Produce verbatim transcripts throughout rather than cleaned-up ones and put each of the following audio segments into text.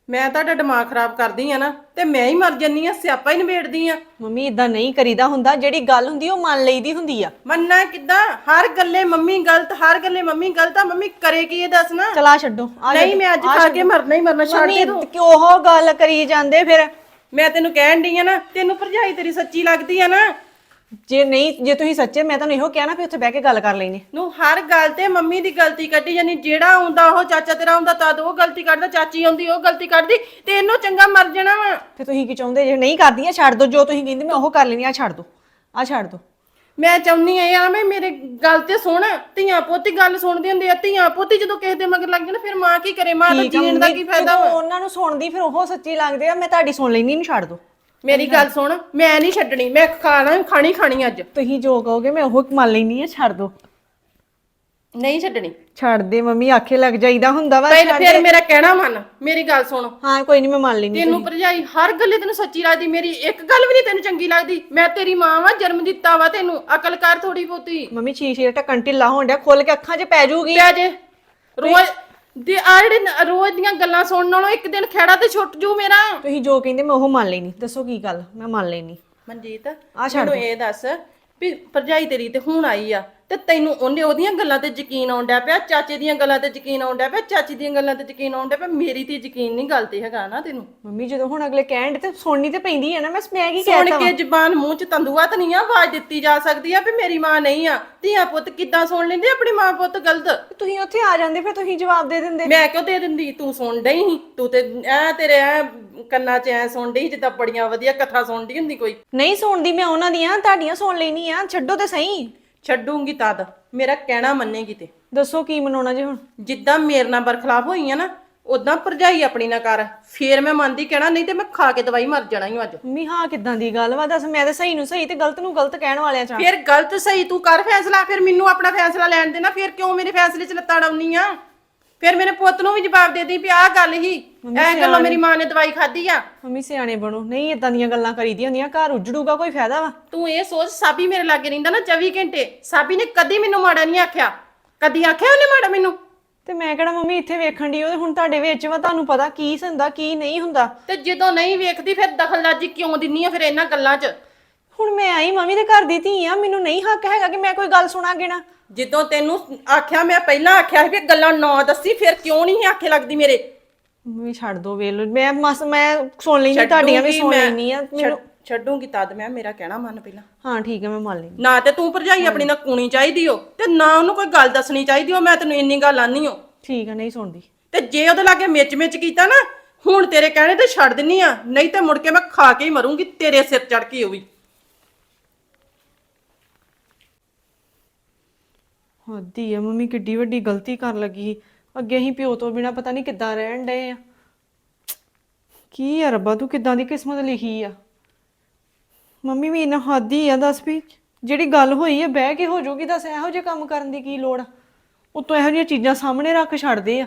ਮੈਂ ਤੁਹਾਡਾ ਦਿਮਾਗ ਖਰਾਬ ਕਰਦੀ ਆ ਨਾ ਤੇ ਮੈਂ ਹੀ ਮਰ ਜੰਨੀ ਆ, ਸਿਆਪਾ ਹੀ ਨਿਬੇੜਦੀ ਆ। ਮੰਮੀ ਇਦਾਂ ਨਹੀਂ ਕਰੀਦਾ ਹੁੰਦਾ, ਜਿਹੜੀ ਗੱਲ ਹੁੰਦੀ ਉਹ ਮੰਨ ਲਈਦੀ ਹੁੰਦੀ ਆ। ਮੰਨਣਾ ਕਿੱਦਾਂ? ਹਰ ਗੱਲੇ ਮੰਮੀ ਗਲਤ, ਹਰ ਗੱਲੇ ਮੰਮੀ ਗਲਤ ਆ। ਮੰਮੀ ਕਰੇ ਕੀ ਇਹ ਦੱਸ ਨਾ। ਚਲਾ ਛੱਡੋ ਆ। ਨਹੀਂ ਮੈਂ ਅੱਜ ਖਾ ਕੇ ਮਰਨਾ ਹੀ ਮਰਨਾ, ਛੱਡ ਦੇ ਤੂੰ। ਕਿ ਉਹ ਗੱਲ ਕਰੀ ਜਾਂਦੇ ਫਿਰ। ਮੈਂ ਤੈਨੂੰ ਕਹਿਣ ਡਈ ਆ ਨਾ, ਤੈਨੂੰ ਭਰਜਾਈ ਤੇਰੀ ਸੱਚੀ ਲੱਗਦੀ ਆ ਨਾ। ਜੇ ਨਹੀਂ, ਜੇ ਤੁਸੀਂ ਸੱਚੇ, ਮੈਂ ਤੁਹਾਨੂੰ ਇਹੋ ਕਿਹਾ ਨਾ ਵੀ ਉੱਥੇ ਬਹਿ ਕੇ ਗੱਲ ਕਰ ਲੈਣੀ। ਨੂੰ ਹਰ ਗੱਲ ਤੇ ਮੰਮੀ ਦੀ ਗਲਤੀ ਕੱਢੀ ਜਾਨੀ। ਜਿਹੜਾ ਆਉਂਦਾ ਉਹ ਚਾਚਾ ਤੇਰਾ ਆਉਂਦਾ ਤਦ ਉਹ ਗਲਤੀ ਕੱਢਦਾ, ਚਾਚੀ ਆਉਂਦੀ ਉਹ ਗਲਤੀ ਕੱਢਦੀ, ਤੇ ਇਹਨੂੰ ਚੰਗਾ ਮਰ ਜਾਣਾ ਵਾ। ਤੇ ਤੁਸੀਂ ਕੀ ਚਾਹੁੰਦੇ? ਜੇ ਨਹੀਂ ਕਰਦੀਆਂ ਛੱਡ ਦੋ, ਜੋ ਤੁਸੀਂ ਕਹਿੰਦੇ ਮੈਂ ਉਹ ਕਰ ਲੈਣੀ ਆ। ਛੱਡ ਦੋ, ਆ ਛੱਡ ਦੋ। ਮੈਂ ਚਾਹੁੰਨੀ ਆ ਯਾਰ, ਮੈਂ ਮੇਰੇ ਗੱਲ ਤੇ ਸੁਣ। ਧੀਆਂ ਪੋਤੀ ਗੱਲ ਸੁਣਦੇ ਹੁੰਦੇ ਆ। ਧੀਆਂ ਪੋਤੀ ਜਦੋਂ ਕਿਸੇ ਦੇ ਮਗਰ ਲੱਗ ਜਾਣ ਫਿਰ ਮਾਂ ਕੀ ਕਰੇ? ਮਾਂ ਦਾ ਜੀਣ ਦਾ ਕੀ ਫਾਇਦਾ ਵਾ? ਉਹਨਾਂ ਨੂੰ ਸੁਣਦੀ ਫਿਰ ਉਹ ਸੱਚੀ ਲੱਗਦੇ ਆ। ਮੈਂ ਤੁਹਾਡੀ ਸੁਣ ਲੈਣੀ, ਨਹੀਂ ਛੱਡ ਦੋ। ਮੇਰੀ ਗੱਲ ਸੁਣ, ਮੈਂ ਨਹੀਂ ਛੱਡਣੀ। ਮੈਂ ਖਾਣਾ ਖਾਣੀ ਖਾਣੀ ਅੱਜ। ਤੁਸੀਂ ਜੋ ਕਹੋਗੇ ਮੈਂ ਉਹ ਮੰਨ ਲੈਣੀ ਆ। ਛੱਡ ਦੋ। ਨਹੀਂ ਛੱਡਣੀ। ਛੱਡ ਦੇ ਮੰਮੀ, ਆਖੇ ਲੱਗ ਜਾਈਦਾ ਹੁੰਦਾ ਵਾ। ਪਹਿਲੇ ਫਿਰ ਮੇਰਾ ਕਹਿਣਾ ਮੰਨ। ਮੇਰੀ ਗੱਲ ਸੁਣ। ਹਾਂ ਕੋਈ ਨਹੀਂ, ਮੈਂ ਮੰਨ ਲੈਣੀ। ਤੈਨੂੰ ਭਰਜਾਈ ਹਰ ਗੱਲੇ ਤੈਨੂੰ ਸੱਚੀ ਲੱਗਦੀ, ਮੇਰੀ ਇੱਕ ਗੱਲ ਵੀ ਨਹੀਂ ਤੈਨੂੰ ਚੰਗੀ ਲੱਗਦੀ। ਮੈਂ ਤੇਰੀ ਮਾਂ ਵਾ, ਜਨਮ ਦਿੱਤਾ ਵਾ ਤੈਨੂੰ। ਅਕਲ ਕਰ ਥੋੜੀ ਬਹੁਤੀ। ਮੰਮੀ ਸ਼ੀਸ਼ੇ ਢੱਕਣ ਢਿੱਲਾ ਹੋਣ ਡਿਆ, ਖੁੱਲ ਕੇ ਅੱਖਾਂ 'ਚ ਪੈ ਜਾਊਗੀ। ਪਿਆ ਜੇ ਰੋਜ਼ ਦੇ ਆ ਜਿਹੜੇ ਰੋਜ਼ ਦੀਆਂ ਗੱਲਾਂ ਸੁਣਨ ਨਾਲੋਂ ਇੱਕ ਦਿਨ ਖੇੜਾ ਤੇ ਛੁੱਟ ਜੂ ਮੇਰਾ। ਤੁਸੀਂ ਜੋ ਕਹਿੰਦੇ ਮੈਂ ਉਹ ਮੰਨ ਲੈਣੀ। ਦੱਸੋ ਕੀ ਗੱਲ? ਮੈਂ ਮੰਨ ਲੈਣੀ। ਮਨਜੀਤ ਮੈਨੂੰ ਇਹ ਦੱਸ ਵੀ ਭਰਜਾਈ ਤੇਰੀ ਤੇ ਹੁਣ ਆਈ ਆ, ਤੇ ਤੈਨੂੰ ਉਹਨੇ ਉਹਦੀਆਂ ਗੱਲਾਂ ਤੇ ਯਕੀਨ ਆਉਂਦਾ ਪਿਆ, ਚਾਚੇ ਦੀਆਂ ਗੱਲਾਂ ਤੇ ਯਕੀਨ ਆਉਂਦਾ ਪਿਆ, ਚਾਚੀ ਦੀਆਂ ਗੱਲਾਂ ਤੇ ਯਕੀਨ ਆਉਂਦਾ ਪਿਆ, ਮੇਰੀ ਤੇ ਯਕੀਨ ਨਹੀਂ ਗੱਲ ਤੇ ਹੈਗਾ ਨਾ ਤੈਨੂੰ। ਮੰਮੀ ਜਦੋਂ ਹੁਣ ਅਗਲੇ ਕਹਿਣ ਤੇ ਸੁਣਨੀ ਤੇ ਪੈਂਦੀ ਹੈ ਨਾ, ਮੈਂ ਮੈਂ ਕੀ ਸੁਣ ਕਹਿਤਾ ਕੇ ਜ਼ਬਾਨ ਮੂੰਹ ਚ ਤੰਦੂਆ ਤਾਂ ਨਹੀਂ ਆ, ਆਵਾਜ਼ ਦਿੱਤੀ ਜਾ ਸਕਦੀ ਆ ਵੀ ਮੇਰੀ ਮਾਂ ਨਹੀਂ ਆ। ਧੀਆ ਪੁੱਤ ਕਿੱਦਾਂ ਸੁਣ ਲੈਂਦੇ ਆਪਣੀ ਮਾਂ ਪੁੱਤ ਗਲਤ। ਤੁਸੀਂ ਉੱਥੇ ਆ ਜਾਂਦੇ ਫਿਰ ਤੁਸੀਂ ਜਵਾਬ ਦੇ ਦਿੰਦੇ। ਮੈਂ ਕਿਉਂ ਦੇ ਦਿੰਦੀ, ਤੂੰ ਸੁਣ ਡਈ ਸੀ, ਤੂੰ ਤੇ ਐ ਤੇਰੇ ਐ ਕੰਨਾਂ 'ਚ ਐ ਸੁਣ ਡਈ ਜਿੱਦਾਂ ਬੜੀਆਂ ਵਧੀਆ ਕਥਾ ਸੁਣਦੀ ਹੁੰਦੀ ਕੋਈ। ਨਹੀਂ ਸੁਣਦੀ ਮੈਂ ਉਹਨਾਂ ਦੀਆਂ, ਤੁਹਾਡੀਆਂ ਸੁਣ ਲੈਣੀ ਆ, ਛੱਡੋ ਤੇ ਸਹੀ। ਛੱਡੂਗੀ ਤਦ ਮੇਰਾ ਕਹਿਣਾ ਮੰਨੇਗੀ ਤੇ। ਦੱਸੋ ਕੀ ਮਨਾਉਣਾ ਜੇ ਹੁਣ? ਜਿੱਦਾਂ ਮੇਰੇ ਨਾਲ ਬਰਖਲਾਫ ਹੋਈ ਆ ਨਾ, ਉਦਾਂ ਭਰਜਾਈ ਆਪਣੀ ਨਾ ਕਰ, ਫੇਰ ਮੈਂ ਮੰਨਦੀ ਕਹਿਣਾ, ਨਹੀਂ ਤੇ ਮੈਂ ਖਾ ਕੇ ਦਵਾਈ ਮਰ ਜਾਣਾ ਹੀ ਅੱਜ। ਮੰਮੀ ਹਾਂ ਕਿੱਦਾਂ ਦੀ ਗੱਲ ਵਾ? ਦੱਸ, ਮੈਂ ਤਾਂ ਸਹੀ ਨੂੰ ਸਹੀ ਤੇ ਗਲਤ ਨੂੰ ਗਲਤ ਕਹਿਣ ਵਾਲਿਆਂ ਚ। ਫਿਰ ਗਲਤ ਸਹੀ ਤੂੰ ਕਰ ਫੈਸਲਾ, ਫਿਰ ਮੈਨੂੰ ਆਪਣਾ ਫੈਸਲਾ ਲੈਣ ਦੇਣਾ। ਫਿਰ ਕਿਉਂ ਮੇਰੇ ਫੈਸਲੇ 'ਚ ਲੱਤਾਂ ਡਾਉਣੀ ਆ? ਫਿਰ ਮੇਰੇ ਪੁੱਤ ਨੂੰ ਵੀ ਜਵਾਬ ਦੇ ਦੀ ਵੀ ਆਹ ਗੱਲ ਹੀ, ਐ ਗੱਲੋਂ ਮੇਰੀ ਮਾਂ ਨੇ ਦਵਾਈ ਖਾਧੀ ਆ। ਮੰਮੀ ਸਿਆਣੇ ਬਣੋ, ਨਹੀਂ ਇਦਾਂ ਦੀਆਂ ਗੱਲਾਂ ਕਰੀਦੀਆਂ ਹੁੰਦੀਆਂ, ਘਰ ਉਜੜੂਗਾ, ਕੋਈ ਫਾਇਦਾ ਵਾ? ਤੂੰ ਇਹ ਸੋਚ, ਸਾਬੀ ਮੇਰੇ ਲਾਗੇ ਰਹਿੰਦਾ ਨਾ ਚੌਵੀ ਘੰਟੇ, ਸਾਬੀ ਨੇ ਕਦੀ ਮੈਨੂੰ ਮਾੜਾ ਨਹੀਂ ਆਖਿਆ, ਕਦੀ ਆਖਿਆ ਉਹਨੇ ਮਾੜਾ ਮੈਨੂੰ? ਤੇ ਮੈਂ ਕਿਹੜਾ ਮੰਮੀ ਇੱਥੇ ਵੇਖਣ ਦੀ, ਉਹ ਹੁਣ ਤੁਹਾਡੇ ਵਿੱਚ ਵਾ, ਤੁਹਾਨੂੰ ਪਤਾ ਕੀ ਹੁੰਦਾ ਕੀ ਨਹੀਂ ਹੁੰਦਾ। ਤੇ ਜਦੋਂ ਨਹੀਂ ਵੇਖਦੀ ਫਿਰ ਦਖਲਅੰਦਾਜ਼ੀ ਕਿਉਂ ਦਿੰਨੀ ਆ ਫਿਰ ਇਹਨਾਂ ਗੱਲਾਂ 'ਚ? ਹੁਣ ਮੈਂ ਆਈ ਮੰਮੀ ਦੇ ਘਰ ਦੀ ਧੀ ਆ, ਮੈਨੂੰ ਨਹੀਂ ਹੱਕ ਹੈਗਾ ਕਿ ਮੈਂ ਕੋਈ ਗੱਲ ਸੁਣਾਂਗੇ ਨਾ। ਜਦੋਂ ਤੈਨੂੰ ਆਖਿਆ, ਮੈਂ ਪਹਿਲਾਂ ਆਖਿਆ ਸੀ ਵੀ ਗੱਲਾਂ ਨਾ ਦੱਸੀ, ਫਿਰ ਕਿਉਂ ਨਹੀਂ ਆਖੇ ਲੱਗਦੀ ਮੇਰੇ? ਮੰਮੀ ਛੱਡ ਦੋ ਵੇਲ, ਮੈਂ ਮਸ ਮੈਂ ਸੁਣ ਲੈਣੀ, ਤੁਹਾਡੀਆਂ ਵੀ ਸੁਣ ਲੈਣੀ ਆ। ਮੈਨੂੰ ਛੱਡੂਗੀ ਤਦ ਮੈਂ, ਮੇਰਾ ਕਹਿਣਾ ਮੰਨ ਪਹਿਲਾਂ। ਹਾਂ ਠੀਕ ਹੈ, ਮੈਂ ਮੰਨ ਲੈਣੀ। ਨਾ ਤੇ ਤੂੰ ਭਰਜਾਈ ਆਪਣੀ ਨਾਲ ਕੂਣੀ ਚਾਹੀਦੀ ਹੋ, ਤੇ ਨਾ ਉਹਨੂੰ ਕੋਈ ਗੱਲ ਦੱਸਣੀ ਚਾਹੀਦੀ ਹੋ। ਮੈਂ ਤੈਨੂੰ ਇੰਨੀ ਗੱਲ ਆਨੀ ਹੋ। ਠੀਕ ਹੈ, ਨਹੀਂ ਸੁਣਦੀ। ਤੇ ਜੇ ਉਹਦੇ ਲਾਗੇ ਮਿਚ ਮਿਚ ਕੀਤਾ ਨਾ, ਹੁਣ ਤੇਰੇ ਕਹਿਣੇ ਤੇ ਛੱਡ ਦਿੰਨੀ ਆ, ਨਹੀਂ ਤੇ ਮੁੜ ਕੇ ਮੈਂ ਖਾ ਕੇ ਹੀ ਮਰੂੰਗੀ ਤੇਰੇ ਸਿਰ ਚੜ ਕੇ। ਉਹ ਵੀ ਹੱਦੀ ਆ ਮੰਮੀ, ਕਿੱਡੀ ਵੱਡੀ ਗਲਤੀ ਕਰਨ ਲੱਗੀ। ਅੱਗੇ ਅਸੀਂ ਪਿਓ ਤੋਂ ਬਿਨਾ ਪਤਾ ਨਹੀਂ ਕਿੱਦਾਂ ਰਹਿਣ ਡਏ ਆ। ਕੀ ਆ ਰੱਬਾ, ਤੂੰ ਕਿੱਦਾਂ ਦੀ ਕਿਸਮਤ ਲਿਖੀ ਆ। ਮੰਮੀ ਵੀ ਇਹਨਾਂ ਹੱਦੀ ਆ, ਦੱਸ ਵੀ ਜਿਹੜੀ ਗੱਲ ਹੋਈ ਆ ਬਹਿ ਕੇ ਹੋ ਜਾਊਗੀ, ਦੱਸ ਇਹੋ ਜਿਹੇ ਕੰਮ ਕਰਨ ਦੀ ਕੀ ਲੋੜ ਆ? ਉਤੋਂ ਇਹੋ ਜਿਹੀਆਂ ਚੀਜ਼ਾਂ ਸਾਹਮਣੇ ਰੱਖ ਛੱਡਦੇ ਆ।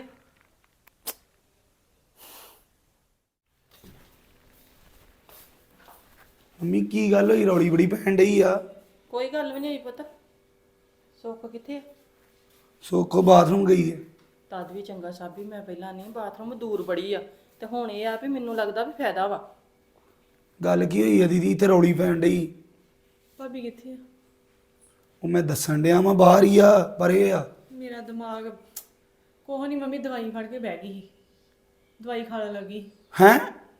ਮੰਮੀ ਕੀ ਗੱਲ ਹੋਈ, ਰੌਲੀ ਬੜੀ ਪੈਣ ਡਈ ਆ? ਕੋਈ ਗੱਲ ਵੀ ਨਹੀਂ ਹੋਈ ਪੁੱਤ। ਸੁੱਖ ਕਿੱਥੇ? ਸੁੱਖ ਬਾਥਰੂਮ ਗਈ ਹੈ। ਤਦ ਵੀ ਚੰਗਾ ਸਾਬੀ, ਮੈਂ ਪਹਿਲਾਂ ਨਹੀਂ, ਬਾਥਰੂਮ ਦੂਰ ਬੜੀ ਆ, ਤੇ ਹੁਣ ਇਹ ਆ ਵੀ ਮੈਨੂੰ ਲੱਗਦਾ ਵੀ ਫਾਇਦਾ ਵਾ। ਗੱਲ ਕੀ ਹੋਈ ਆ ਦੀਦੀ, ਇੱਥੇ ਰੌਲੀ ਪੈਣ ਡਈ? ਭਾਬੀ ਕਿੱਥੇ ਆ? ਉਹ ਮੈਂ ਦੱਸਣ ਡਿਆ ਮੈਂ ਬਾਹਰ ਹੀ ਆ, ਪਰੇ ਆ। ਮੇਰਾ ਦਿਮਾਗ ਕੋਹ ਨਹੀਂ ਮੰਮੀ, ਦਵਾਈ ਫੜ ਕੇ ਬਹਿ ਗਈ ਸੀ, ਦਵਾਈ ਖਾਣ ਲੱਗੀ। ਹੈਂ?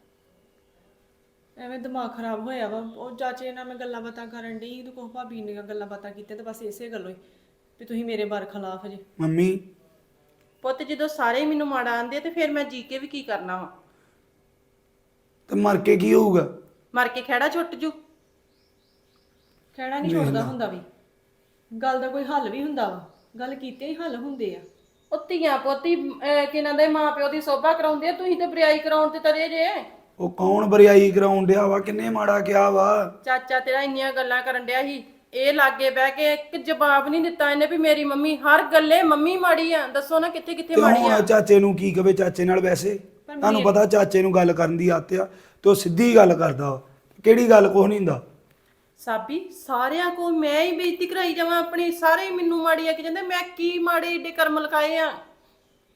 ਐਵੇਂ ਦਿਮਾਗ ਖਰਾਬ ਹੋਇਆ ਵਾ। ਉਹ ਚਾਚੇ ਨਾਲ ਮੈਂ ਗੱਲਾਂ ਬਾਤਾਂ ਕਰਨ ਡਈ, ਤੂੰ ਕੋਹ ਭਾਬੀ ਨੇ ਗੱਲਾਂ ਬਾਤਾਂ ਕੀਤੀਆਂ, ਤੇ ਬਸ ਇਸੇ ਗੱਲੋਂ ਹੀ ਵੀ ਤੁਸੀਂ ਮੇਰੇ ਬਾਰ ਖਿਲਾਫ ਜੇ। ਮੰਮੀ ਪੁੱਤ ਜਦੋਂ ਸਾਰੇ ਹੀ ਮੈਨੂੰ ਮਾੜਾ ਆਂਦੇ ਤੇ ਫਿਰ ਮੈਂ ਜੀ ਕੇ ਵੀ ਕੀ ਕਰਨਾ ਵਾ? ਤੇ ਮਰ ਕੇ ਕੀ ਹੋਊਗਾ? ਮਰ ਕੇ ਖਹਿੜਾ ਛੁੱਟ ਜੂ। ਕਹਿਣਾ ਨਹੀਂ ਛੁੱਟਦਾ ਹੁੰਦਾ ਵੀ, ਗੱਲ ਦਾ ਕੋਈ ਹੱਲ ਵੀ ਹੁੰਦਾ ਵਾ, ਗੱਲ ਕੀਤੇ ਹੀ ਹੱਲ ਹੁੰਦੇ ਆ। ਉਹ ਧੀਆਂ ਪੋਤੀ ਕਿਨਾਂ ਦੇ ਮਾਂ ਪਿਓ ਦੀ ਸੋਭਾ ਕਰਾਉਂਦੇ ਆ, ਤੁਸੀਂ ਤੇ ਬਰਿਆਈ ਕਰਾਉਣ ਤੇ ਤਰੇ ਜੇ। ਉਹ ਕੌਣ ਬਰਿਆਈ ਕਰਾਉਣ ਡਿਆ ਵਾ? ਕਿੰਨੇ ਮਾੜਾ ਕਿਹਾ ਵਾ? ਚਾਚਾ ਤੇਰਾ ਇੰਨੀਆਂ ਗੱਲਾਂ ਕਰਨ ਡਿਆ ਸੀ, ਇਹ ਲਾਗੇ ਬਹਿ ਕੇ ਇੱਕ ਜਵਾਬ ਨਹੀਂ ਦਿੱਤਾ ਇਹਨੇ ਵੀ ਮੇਰੀ ਮੰਮੀ ਹਰ ਗੱਲੇ ਮੰਮੀ ਮਾੜੀ ਆ। ਦੱਸੋ ਨਾ ਕਿੱਥੇ ਕਿੱਥੇ ਤੇ ਮਾੜੀ ਆ? ਹੁਣ ਚਾਚੇ ਨੂੰ ਕੀ ਕਵੇ? ਚਾਚੇ ਨਾਲ ਵੈਸੇ ਤੁਹਾਨੂੰ ਪਤਾ ਚਾਚੇ ਨੂੰ ਗੱਲ ਕਰਨ ਦੀ ਆਦਤ ਆ, ਤੇ ਉਹ ਸਿੱਧੀ ਗੱਲ ਕਰਦਾ ਵਾ। ਕਿਹੜੀ ਗੱਲ ਕੁਛ ਨਹੀਂ ਹੁੰਦਾ। ਸਾਬੀ ਸਾਰਿਆਂ ਕੋਲ ਮੈਂ ਹੀ ਬੇਇੱਜ਼ਤੀ ਕਰਾਈ ਜਾਵਾਂ ਆਪਣੀ? ਸਾਰੇ ਹੀ ਮੈਨੂੰ ਮਾੜੀ ਆ ਕਿ ਜਾਂਦੇ, ਮੈਂ ਕੀ ਮਾੜੇ ਏਡੇ ਕਰਮ ਲਗਾਏ ਆ?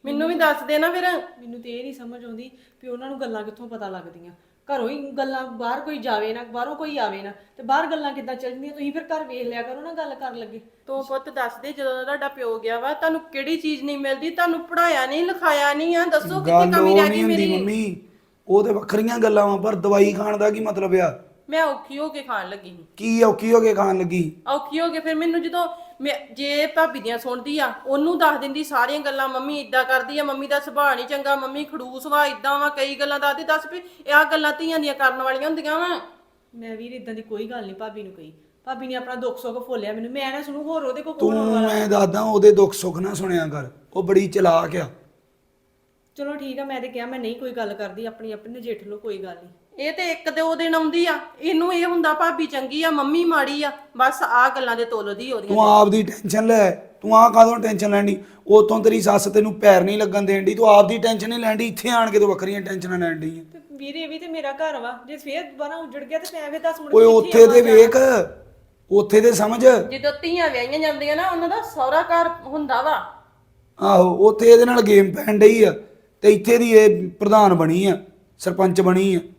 ਮੈਨੂੰ ਵੀ ਦੱਸ ਦੇ ਨਾ ਫਿਰ। ਮੈਨੂੰ ਤੇ ਇਹ ਨਹੀਂ ਸਮਝ ਆਉਂਦੀ ਵੀ ਉਹਨਾਂ ਨੂੰ ਗੱਲਾਂ ਕਿੱਥੋਂ ਪਤਾ ਲੱਗਦੀਆਂ। ਘਰੋਂ ਹੀ ਗੱਲਾਂ, ਬਾਹਰ ਕੋਈ ਜਾਵੇ ਨਾ, ਬਾਹਰੋਂ ਕੋਈ ਆਵੇ ਨਾ, ਤੇ ਬਾਹਰ ਗੱਲਾਂ ਕਿੱਦਾਂ ਚੱਲਦੀਆਂ? ਤੁਸੀਂ ਫਿਰ ਘਰ ਵੇਖ ਲਿਆ ਕਰੋ ਨਾ ਗੱਲ ਕਰਨ ਲੱਗੇ। ਤੂੰ ਪੁੱਤ ਦੱਸ ਦੇ, ਜਦੋਂ ਤੁਹਾਡਾ ਪਿਓ ਗਿਆ ਵਾ ਤੁਹਾਨੂੰ ਕਿਹੜੀ ਚੀਜ਼ ਨਹੀਂ ਮਿਲਦੀ? ਤੁਹਾਨੂੰ ਪੜਾਇਆ ਨਹੀਂ, ਲਿਖਾਇਆ ਨਹੀਂ ਆ, ਦੱਸੋ ਕਿੱਥੇ ਗੱਲ ਕਮੀ ਉਹ ਰਹਿ ਨਹੀਂ ਗਈ ਹੁੰਦੀ ਮੇਰੀ? ਮੰਮੀ, ਉਹ ਤੇ ਵੱਖਰੀਆਂ ਗੱਲਾਂ ਵਾ, ਪਰ ਦਵਾਈ ਖਾਣ ਦਾ ਕੀ ਮਤਲਬ ਆ? ਮੈਂ ਔਖੀ ਹੋ ਕੇ ਖਾਣ ਲੱਗੀ ਸੀ। ਕੀ ਔਖੀ ਹੋ ਕੇ ਖਾਣ ਲੱਗੀ? ਔਖੀ ਹੋ ਕੇ ਫਿਰ ਮੈਨੂੰ ਜਦੋਂ ਮੈਂ ਜੇ ਭਾਬੀ ਦੀਆਂ ਸੁਣਦੀ ਆ, ਉਹਨੂੰ ਦੱਸ ਦਿੰਦੀ ਸਾਰੀਆਂ ਗੱਲਾਂ, ਮੰਮੀ ਇਦਾਂ ਕਰਦੀ ਆ, ਮੰਮੀ ਦਾ ਸੁਭਾਅ ਨਹੀਂ ਚੰਗਾ, ਮੰਮੀ ਖੜੂਸ ਵਾ, ਇਦਾਂ ਵਾ, ਕਈ ਗੱਲਾਂ ਦੱਸਦੀ। ਦੱਸ ਵੀ ਇਹ ਆ ਗੱਲਾਂ ਧੀਆਂ ਦੀਆਂ ਕਰਨ ਵਾਲੀਆਂ ਹੁੰਦੀਆਂ ਵਾ? ਮੈਂ ਵੀਰ ਇਦਾਂ ਦੀ ਕੋਈ ਗੱਲ ਨਹੀਂ ਭਾਬੀ ਨੂੰ ਕਹੀ। ਭਾਬੀ ਨੇ ਆਪਣਾ ਦੁੱਖ ਸੁੱਖ ਫੋਲਿਆ ਮੈਨੂੰ, ਮੈਂ ਨਾ ਸੁਣੂ ਹੋਰ ਉਹਦੇ ਕੋਲ ਤੂੰ ਕੋਣ ਵਾਲਾ। ਮੈਂ ਦੱਸਦਾ, ਉਹਦੇ ਦੁੱਖ ਸੁੱਖ ਨਾ ਸੁਣਿਆ ਕਰ, ਉਹ ਬੜੀ ਚਲਾਕ ਆ। ਚਲੋ ਠੀਕ ਆ, ਮੈਂ ਤੇ ਕਿਹਾ ਮੈਂ ਨਹੀਂ ਕੋਈ ਗੱਲ ਕਰਦੀ, ਆਪਣੀ ਆਪਣੀ ਨਜਿੱਠ ਲਓ, ਕੋਈ ਗੱਲ ਨਹੀਂ। ਇਹ ਤੇ ਇੱਕ ਦੋ ਦਿਨ ਆਉਂਦੀ ਆ, ਇਹਨੂੰ ਇਹ ਹੁੰਦਾ ਭਾਬੀ ਚੰਗੀ ਆ, ਮੰਮੀ ਮਾੜੀ ਆ, ਬਸ ਆ ਗੱਲਾਂ ਦੇ ਤੁੱਲਦੀ ਉਹਦੀਆਂ। ਤੂੰ ਆਪ ਦੀ ਟੈਨਸ਼ਨ ਲੈ, ਤੂੰ ਆ ਕਾਹਦੋਂ ਟੈਨਸ਼ਨ ਲੈਣੀ? ਉਤੋਂ ਤੇਰੀ ਸੱਸ ਤੈਨੂੰ ਪੈਰ ਨਹੀਂ ਲੱਗਣ ਦੇਣ ਦੀ, ਤੂੰ ਆਪ ਦੀ ਟੈਨਸ਼ਨ ਨਹੀਂ ਲੈਂਦੀ, ਇੱਥੇ ਆਣ ਕੇ ਤੂੰ ਵੱਖਰੀਆਂ ਟੈਨਸ਼ਨਾਂ ਲੈਣ ਦੀ। ਤੇ ਵੀਰ ਇਹ ਵੀ ਤੇ ਮੇਰਾ ਘਰ ਵਾ, ਜੇ ਫੇਰ ਦੁਬਾਰਾ ਉਜੜ ਗਿਆ ਤੇ ਮੈਂ ਫੇਰ ਦੱਸ ਮੁੜ ਓਏ ਕੇ ਉੱਥੇ ਤੇ ਵੇਖ, ਉੱਥੇ ਤੇ ਸਮਝ। ਜਦੋਂ ਧੀਆਂ ਵਿਆਹੀਆਂ ਜਾਂਦੀਆਂ ਨਾ, ਉਹਨਾਂ ਦਾ ਸਹੁਰਾ ਘਰ ਹੁੰਦਾ ਵਾ। ਆਹੋ, ਉੱਥੇ ਇਹਦੇ ਨਾਲ ਗੇਮ ਪੈਣ ਡਈ ਆ, ਤੇ ਇੱਥੇ ਦੀ ਇਹ ਪ੍ਰਧਾਨ ਬਣੀ ਆ, ਸਰਪੰਚ ਬਣੀ ਆ।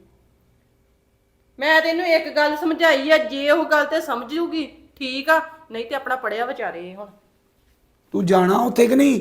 ਮੈਂ ਤੈਨੂੰ ਇੱਕ ਗੱਲ ਸਮਝਾਈ ਆ, ਜੇ ਉਹ ਗੱਲ ਤੇ ਸਮਝ ਜੂਗੀ ਠੀਕ ਆ, ਨਹੀਂ ਤੇ ਆਪਣਾ ਪੜਿਆ ਵਿਚਾਰੇ। ਹੁਣ ਤੂੰ ਜਾਣਾ ਉੱਥੇ ਕਿ ਨਹੀਂ?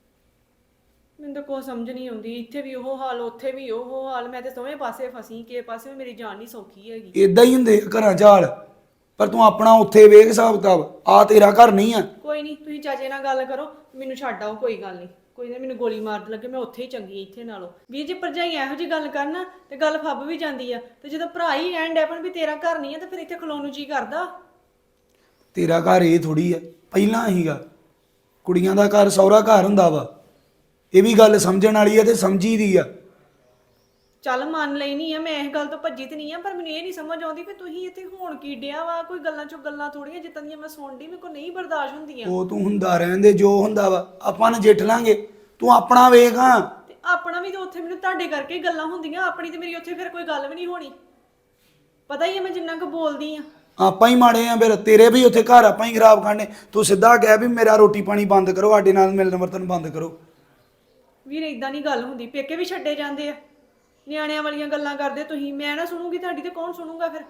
ਮੈਨੂੰ ਤਾਂ ਕੋਈ ਸਮਝ ਨਹੀਂ ਆਉਂਦੀ, ਇੱਥੇ ਵੀ ਉਹ ਹਾਲ, ਉੱਥੇ ਵੀ ਉਹ ਹਾਲ, ਮੈਂ ਤੇ ਦੋਵੇਂ ਪਾਸੇ ਫਸੀ, ਕਿਸੇ ਪਾਸੇ ਵੀ ਮੇਰੀ ਜਾਨ ਨਹੀਂ ਸੌਖੀ ਹੈਗੀ। ਇਦਾਂ ਹੀ ਹੁੰਦੇ ਆ ਘਰਾਂ ਚ ਹਾਲ, ਪਰ ਤੂੰ ਆਪਣਾ ਉੱਥੇ ਵੇਖ ਹਿਸਾਬ ਕਿਤਾਬ, ਆ ਤੇਰਾ ਘਰ ਨਹੀਂ ਆ। ਕੋਈ ਨਹੀਂ, ਤੁਸੀਂ ਚਾਚੇ ਨਾਲ ਗੱਲ ਕਰੋ, ਮੈਨੂੰ ਛੱਡ ਆਓ, ਕੋਈ ਗੱਲ ਨਹੀਂ। ਕੋਈ ਨਾ ਮੈਨੂੰ ਗੋਲੀ ਮਾਰ ਲੱਗੇ, ਮੈਂ ਉੱਥੇ ਹੀ ਚੰਗੀ ਇੱਥੇ ਨਾਲੋਂ। ਵੀਰ ਜੀ ਭਰਜਾਈ ਇਹੋ ਜਿਹੀ ਗੱਲ ਕਰਨਾ ਤੇ ਗੱਲ ਫੱਬ ਵੀ ਜਾਂਦੀ ਆ, ਤੇ ਜਦੋਂ ਭਰਾ ਹੀ ਐਂਡ ਐਪਨ ਵੀ ਤੇਰਾ ਘਰ ਨਹੀਂ ਆ, ਤੇ ਫਿਰ ਇੱਥੇ ਖਲੋਣ ਨੂੰ ਜੀ ਕਰਦਾ। ਤੇਰਾ ਘਰ ਇਹ ਥੋੜੀ ਆ, ਪਹਿਲਾਂ ਹੀਗਾ। ਕੁੜੀਆਂ ਦਾ ਘਰ ਸਹੁਰਾ ਘਰ ਹੁੰਦਾ ਵਾ, ਇਹ ਵੀ ਗੱਲ ਸਮਝਣ ਵਾਲੀ ਆ ਤੇ ਸਮਝੀ ਦੀ ਆ। ਚੱਲ ਮੰਨ ਲਈ ਨਹੀਂ ਆ, ਮੈਂ ਇਸ ਗੱਲ ਤੋਂ ਭੱਜੀ ਤੇ ਨਹੀਂ ਆ, ਪਰ ਮੈਨੂੰ ਇਹ ਨਹੀਂ ਸਮਝ ਆਉਂਦੀ ਵੀ ਤੁਸੀਂ ਇੱਥੇ ਹੋਣ ਕੀ ਡਿਆ ਵਾ। ਕੋਈ ਗੱਲਾਂ ਚੋਂ ਗੱਲਾਂ ਥੋੜੀਆਂ ਜਿੱਦਾਂ ਦੀਆਂ ਮੈਂ ਸੁਣਦੀ, ਮੇਰੇ ਕੋਲ ਨਹੀਂ ਬਰਦਾਸ਼ਤ ਹੁੰਦੀਆਂ। ਉਹ ਤੂੰ ਹੁੰਦਾ ਰਹਿੰਦੇ, ਜੋ ਹੁੰਦਾ ਵਾ ਆਪਾਂ ਨਜਿੱਠ ਲਾਂਗੇ, ਤੂੰ ਆਪਣਾ ਵੇਖ। ਹਾਂ, ਤੇ ਆਪਣਾ ਵੀ ਤਾਂ ਉੱਥੇ ਮੈਨੂੰ ਤੁਹਾਡੇ ਕਰਕੇ ਹੀ ਗੱਲਾਂ ਹੁੰਦੀਆਂ, ਆਪਣੀ ਤੇ ਮੇਰੀ ਉੱਥੇ ਫਿਰ ਕੋਈ ਗੱਲ ਵੀ ਨਹੀਂ ਹੋਣੀ। ਪਤਾ ਹੀ ਆ ਮੈਂ ਜਿੰਨਾ ਕੁ ਬੋਲਦੀ ਆ। ਆਪਾਂ ਹੀ ਮਾੜੇ ਆ ਫਿਰ, ਤੇਰੇ ਵੀ ਉੱਥੇ ਘਰ ਆਪਾਂ ਹੀ ਖਰਾਬ ਕਰਨੇ। ਤੂੰ ਸਿੱਧਾ ਕਹਿ ਵੀ ਮੇਰਾ ਰੋਟੀ ਪਾਣੀ ਬੰਦ ਕਰੋ, ਸਾਡੇ ਨਾਲ ਮਿਲਣ ਵਰਤਨ ਬੰਦ ਕਰੋ। ਵੀਰ ਇਦਾਂ ਨਹੀਂ ਗੱਲ ਹੁੰਦੀ, ਪੇਕੇ ਵੀ ਛੱਡੇ ਜਾਂਦੇ ਆ, ਨਿਆਣਿਆਂ ਵਾਲੀਆਂ ਗੱਲਾਂ ਕਰਦੇ ਤੁਸੀਂ। ਮੈਂ ਨਾ ਸੁਣੂਗੀ ਤੁਹਾਡੀ ਤੇ ਕੌਣ ਸੁਣੂਗਾ ਫਿਰ?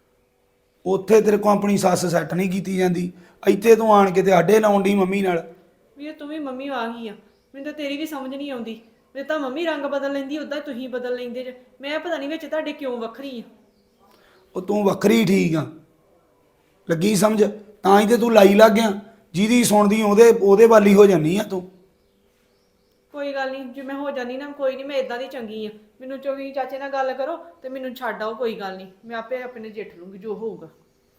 ਉੱਥੇ ਤੇਰੇ ਕੋਲ ਆਪਣੀ ਸੱਸ ਸੈੱਟ ਨਹੀਂ ਕੀਤੀ ਜਾਂਦੀ, ਇੱਥੇ ਤੂੰ ਆਣ ਕੇ ਤੇ ਆਡੇ ਲਾਉਣ ਦੀ ਮੰਮੀ ਨਾਲ। ਵੀਰ ਤੂੰ ਵੀ ਮੰਮੀ ਆ ਗਈ ਆ, ਮੈਨੂੰ ਤਾਂ ਤੇਰੀ ਵੀ ਸਮਝ ਨਹੀਂ ਆਉਂਦੀ। ਜੇ ਤਾਂ ਮੰਮੀ ਰੰਗ ਬਦਲ ਲੈਂਦੀ, ਉਦਾਂ ਤੁਸੀਂ ਬਦਲ ਲੈਂਦੇ ਜੇ। ਮੈਂ ਪਤਾ ਨਹੀਂ ਵਿੱਚ ਤੁਹਾਡੇ ਕਿਉਂ ਵੱਖਰੀ ਆ। ਉਹ ਤੂੰ ਵੱਖਰੀ ਠੀਕ ਆ, ਲੱਗੀ ਸਮਝ? ਤਾਂ ਹੀ ਤੇ ਤੂੰ ਲਾਈ ਲੱਗ ਗਿਆ, ਜਿਹਦੀ ਸੁਣਦੀ ਉਹਦੇ ਉਹਦੇ ਵਾਲੀ ਹੋ ਜਾਨੀ ਆ ਤੂੰ। ਕੋਈ ਗੱਲ ਨਹੀਂ, ਜੇ ਮੈਂ ਹੋ ਜਾਨੀ ਨਾ, ਕੋਈ ਨਹੀਂ, ਮੈਂ ਇਦਾਂ ਦੀ ਚੰਗੀ ਆ। ਮੈਨੂੰ ਚੋਗੀ ਚਾਚੇ ਨਾਲ ਗੱਲ ਕਰੋ ਤੇ ਮੈਨੂੰ ਛੱਡ ਆਓ, ਕੋਈ ਗੱਲ ਨਹੀਂ, ਮੈਂ ਆਪੇ ਆਪਣੇ ਜੇਠ ਲੂੰਗੀ ਜੋ ਹੋਊਗਾ।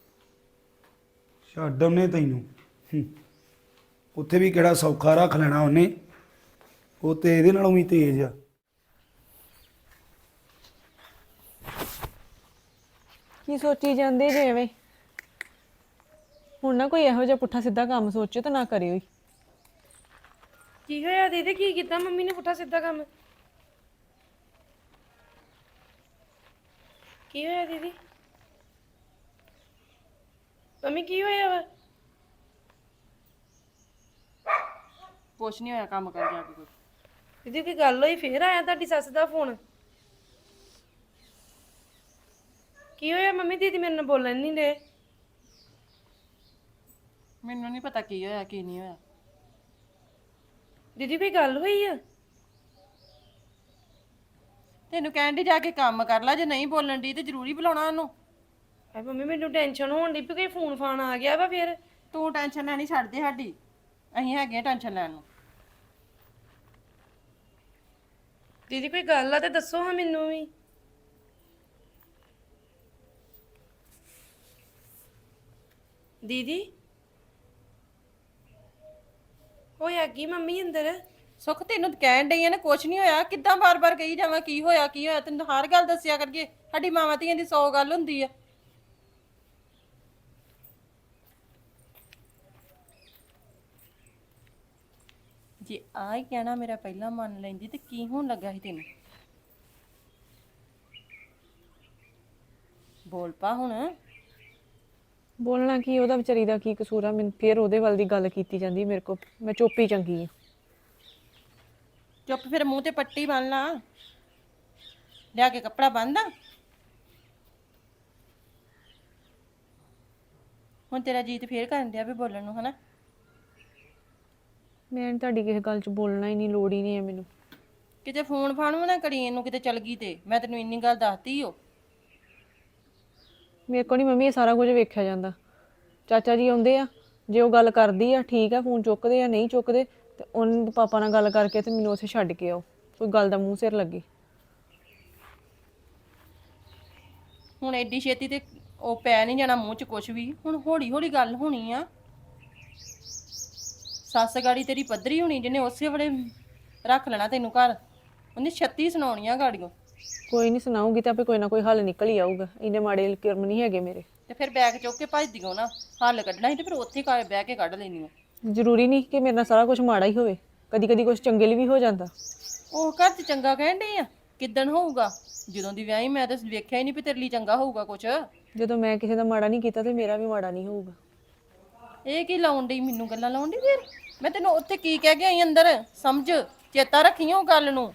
ਛੱਡ ਉਹਨੇ ਤੈਨੂੰ, ਹੂੰ। ਉੱਥੇ ਵੀ ਕਿਹੜਾ ਸੌਖਾ ਰੱਖ ਲੈਣਾ ਉਹਨੇ, ਉਹ ਤੇ ਇਹਦੇ ਨਾਲੋਂ ਵੀ ਤੇਜ਼ ਆ। ਕੀ ਸੋਚੀ ਜਾਂਦੇ ਜੇ ਐਵੇਂ? ਹੁਣ ਨਾ ਕੋਈ ਇਹੋ ਜਿਹਾ ਪੁੱਠਾ ਸਿੱਧਾ ਕੰਮ ਸੋਚੋ ਤਾਂ ਨਾ ਕਰਿਓ ਹੀ। ਕੀ ਹੋਇਆ ਦੀਦੀ? ਕੀ ਕੀਤਾ ਮੰਮੀ ਨੇ ਪੁੱਠਾ ਸਿੱਧਾ ਕੰਮ? ਕੀ ਹੋਇਆ ਦੀਦੀ? ਮੰਮੀ ਕੀ ਹੋਇਆ ਵਾ? ਕੁਛ ਨਹੀਂ ਹੋਇਆ, ਕੰਮ ਕਰ ਜਾ ਕੇ ਕੋਈ। ਦੀਦੀ ਕੀ ਗੱਲ ਹੋਈ? ਫੇਰ ਆਇਆ ਤੁਹਾਡੀ ਸੱਸ ਦਾ ਫੋਨ? ਕੀ ਹੋਇਆ ਮੰਮੀ? ਦੀਦੀ ਮੇਰੇ ਨਾਲ ਬੋਲਣ ਨਹੀਂ ਦੇ। ਮੈਨੂੰ ਨਹੀਂ ਪਤਾ ਕੀ ਹੋਇਆ ਕੀ ਨਹੀਂ ਹੋਇਆ। ਦੀਦੀ ਕੋਈ ਗੱਲ ਹੋਈ ਆ? ਤੈਨੂੰ ਕਹਿਣ ਦੀ ਜਾ ਕੇ ਕੰਮ ਕਰ ਲੈ, ਜੇ ਨਹੀਂ ਬੋਲਣ ਦੀ ਤੇ ਜ਼ਰੂਰੀ ਬੁਲਾਉਣਾ ਉਹਨੂੰ। ਐ ਮੰਮੀ ਮੈਨੂੰ ਟੈਨਸ਼ਨ ਹੋਣ ਦੀ ਵੀ ਕੋਈ ਫੋਨ ਫਾਨ ਆ ਗਿਆ ਵਾ ਫਿਰ। ਤੂੰ ਟੈਨਸ਼ਨ ਲੈਣੀ ਛੱਡ ਦੇ ਸਾਡੀ, ਅਸੀਂ ਹੈਗੇ ਆ ਟੈਨਸ਼ਨ ਲੈਣ ਨੂੰ। ਦੀਦੀ ਕੋਈ ਗੱਲ ਆ ਤੇ ਦੱਸੋ ਹਾਂ ਮੈਨੂੰ ਵੀ। ਦੀਦੀ ਹੋਇਆ ਕੀ ਮੰਮੀ ਅੰਦਰ? ਸੁੱਖ ਤੈਨੂੰ ਕਹਿਣ ਡਈ ਆ ਨਾ ਕੁਛ ਨਹੀਂ ਹੋਇਆ, ਕਿੱਦਾਂ ਬਾਰ-ਬਾਰ ਕਹੀ ਜਾਵਾਂ ਕੀ ਹੋਇਆ ਕੀ ਹੋਇਆ? ਤੈਨੂੰ ਹਰ ਗੱਲ ਦੱਸਿਆ ਕਰਕੇ, ਸਾਡੀ ਮਾਵਾਂ ਧੀਆਂ ਦੀ ਸੌ ਗੱਲ ਹੁੰਦੀ ਆ। ਜੇ ਆ ਹੀ ਕਹਿਣਾ ਮੇਰਾ ਪਹਿਲਾਂ ਮੰਨ ਲੈਂਦੀ ਤੇ ਕੀ ਹੋਣ ਲੱਗਾ ਸੀ ਤੈਨੂੰ? ਬੋਲ ਪਾ ਹੁਣ। ਬੋਲਣਾ ਕੀ, ਉਹਦਾ ਵਿਚਾਰੀ ਦਾ ਕੀ ਕਸੂਰ ਆ? ਮੈਨੂੰ ਫੇਰ ਉਹਦੇ ਵੱਲ ਦੀ ਗੱਲ ਕੀਤੀ ਜਾਂਦੀ ਮੇਰੇ ਕੋਲ, ਮੈਂ ਚੁੱਪ ਹੀ ਚੰਗੀ ਆ। ਚੁੱਪ ਫਿਰ ਮੂੰਹ ਤੇ ਪੱਟੀ ਬੰਨ ਲਾ ਲਿਆ ਕੇ ਕੱਪੜਾ ਬੰਨਦਾ ਹੁਣ ਤੇਰਾ ਜੀਤ ਫੇਰ ਕਰਨ ਡਿਆ ਵੀ ਬੋਲਣ ਨੂੰ ਹਨਾ ਮੈਂ ਨੀ ਤੁਹਾਡੀ ਕਿਸੇ ਗੱਲ 'ਚ ਬੋਲਣਾ ਹੀ ਨਹੀਂ, ਲੋੜ ਹੀ ਨਹੀਂ ਹੈ ਮੈਨੂੰ। ਕਿਤੇ ਫੋਨ ਫਾਨ ਵੀ ਨਾ ਕਰੀ ਇਹਨੂੰ ਕਿਤੇ ਚਲ ਗਈ ਤੇ ਮੈਂ ਤੈਨੂੰ ਇੰਨੀ ਗੱਲ ਦੱਸਤੀ ਓ ਮੇਰੇ ਕੋਲ ਨਹੀਂ ਮੰਮੀ ਇਹ ਸਾਰਾ ਕੁਝ ਵੇਖਿਆ ਜਾਂਦਾ। ਚਾਚਾ ਜੀ ਆਉਂਦੇ ਆ, ਜੇ ਉਹ ਗੱਲ ਕਰਦੀ ਆ ਠੀਕ ਆ, ਫੋਨ ਚੁੱਕਦੇ ਆ, ਨਹੀਂ ਚੁੱਕਦੇ ਤੇ ਉਹਨਾਂ ਪਾਪਾ ਨਾਲ ਗੱਲ ਕਰਕੇ ਤੇ ਮੈਨੂੰ ਉੱਥੇ ਛੱਡ ਕੇ ਆਓ, ਕੋਈ ਗੱਲ ਦਾ ਮੂੰਹ ਸਿਰ ਲੱਗੇ। ਹੁਣ ਐਡੀ ਛੇਤੀ ਤੇ ਉਹ ਪੈ ਨਹੀਂ ਜਾਣਾ ਮੂੰਹ 'ਚ ਕੁਛ ਵੀ, ਹੁਣ ਹੌਲੀ ਹੌਲੀ ਗੱਲ ਹੋਣੀ ਆ। ਸੱਸ ਗਾੜੀ ਤੇਰੀ ਪੱਧਰੀ ਹੋਣੀ ਜਿਹਨੇ ਉਸੇ ਵੇਲੇ ਰੱਖ ਲੈਣਾ ਤੈਨੂੰ ਘਰ, ਉਹਨੇ ਛੱਤੀ ਸੁਣਾਉਣੀਆਂ ਗਾੜੀਆਂ। ਕੋਈ ਨਹੀਂ ਸੁਣਾਉਂਗੀ ਤਾਂ ਆਪੇ ਕੋਈ ਨਾ ਕੋਈ ਹੱਲ ਨਿਕਲ ਹੀ ਆਊਗਾ, ਇੰਨੇ ਮਾੜੇ ਕਰਮ ਨਹੀਂ ਹੈਗੇ ਮੇਰੇ। ਤੇ ਫਿਰ ਬੈਗ ਚੁੱਕ ਕੇ ਭੱਜਦੀ ਹੋ ਨਾ, ਹੱਲ ਕੱਢਣਾ ਸੀ ਤੇ ਫਿਰ ਉੱਥੇ ਘਰ ਬਹਿ ਕੇ ਕੱਢ ਲੈਣੀ ਆ। ਜ਼ਰੂਰੀ ਨਹੀਂ ਕਿ ਮੇਰੇ ਨਾਲ ਸਾਰਾ ਕੁਝ ਮਾੜਾ ਹੀ ਹੋਵੇ, ਕਦੀ ਕਦੀ ਕੁਝ ਚੰਗੇ ਲਈ ਵੀ ਹੋ ਜਾਂਦਾ। ਉਹ ਘਰ 'ਚ ਚੰਗਾ ਕਹਿਣ ਡਈ ਆ, ਕਿੱਦਣ ਹੋਊਗਾ? ਜਦੋਂ ਦੀ ਵਿਆਹੀ ਮੈਂ ਤਾਂ ਵੇਖਿਆ ਹੀ ਨਹੀਂ ਵੀ ਤੇਰੇ ਲਈ ਚੰਗਾ ਹੋਊਗਾ ਕੁਛ। ਜਦੋਂ ਮੈਂ ਕਿਸੇ ਦਾ ਮਾੜਾ ਨਹੀਂ ਕੀਤਾ ਤੇ ਮੇਰਾ ਵੀ ਮਾੜਾ ਨਹੀਂ ਹੋਊਗਾ। ਇਹ ਕੀ ਲਾਉਣ ਡਈ ਮੈਨੂੰ ਗੱਲਾਂ ਲਾਉਣ ਡਈ ਫਿਰ? ਮੈਂ ਤੈਨੂੰ ਉੱਥੇ ਕੀ ਕਹਿ ਕੇ ਆਈ ਅੰਦਰ, ਸਮਝ ਚੇਤਾ ਰੱਖੀ ਉਹ ਗੱਲ ਨੂੰ।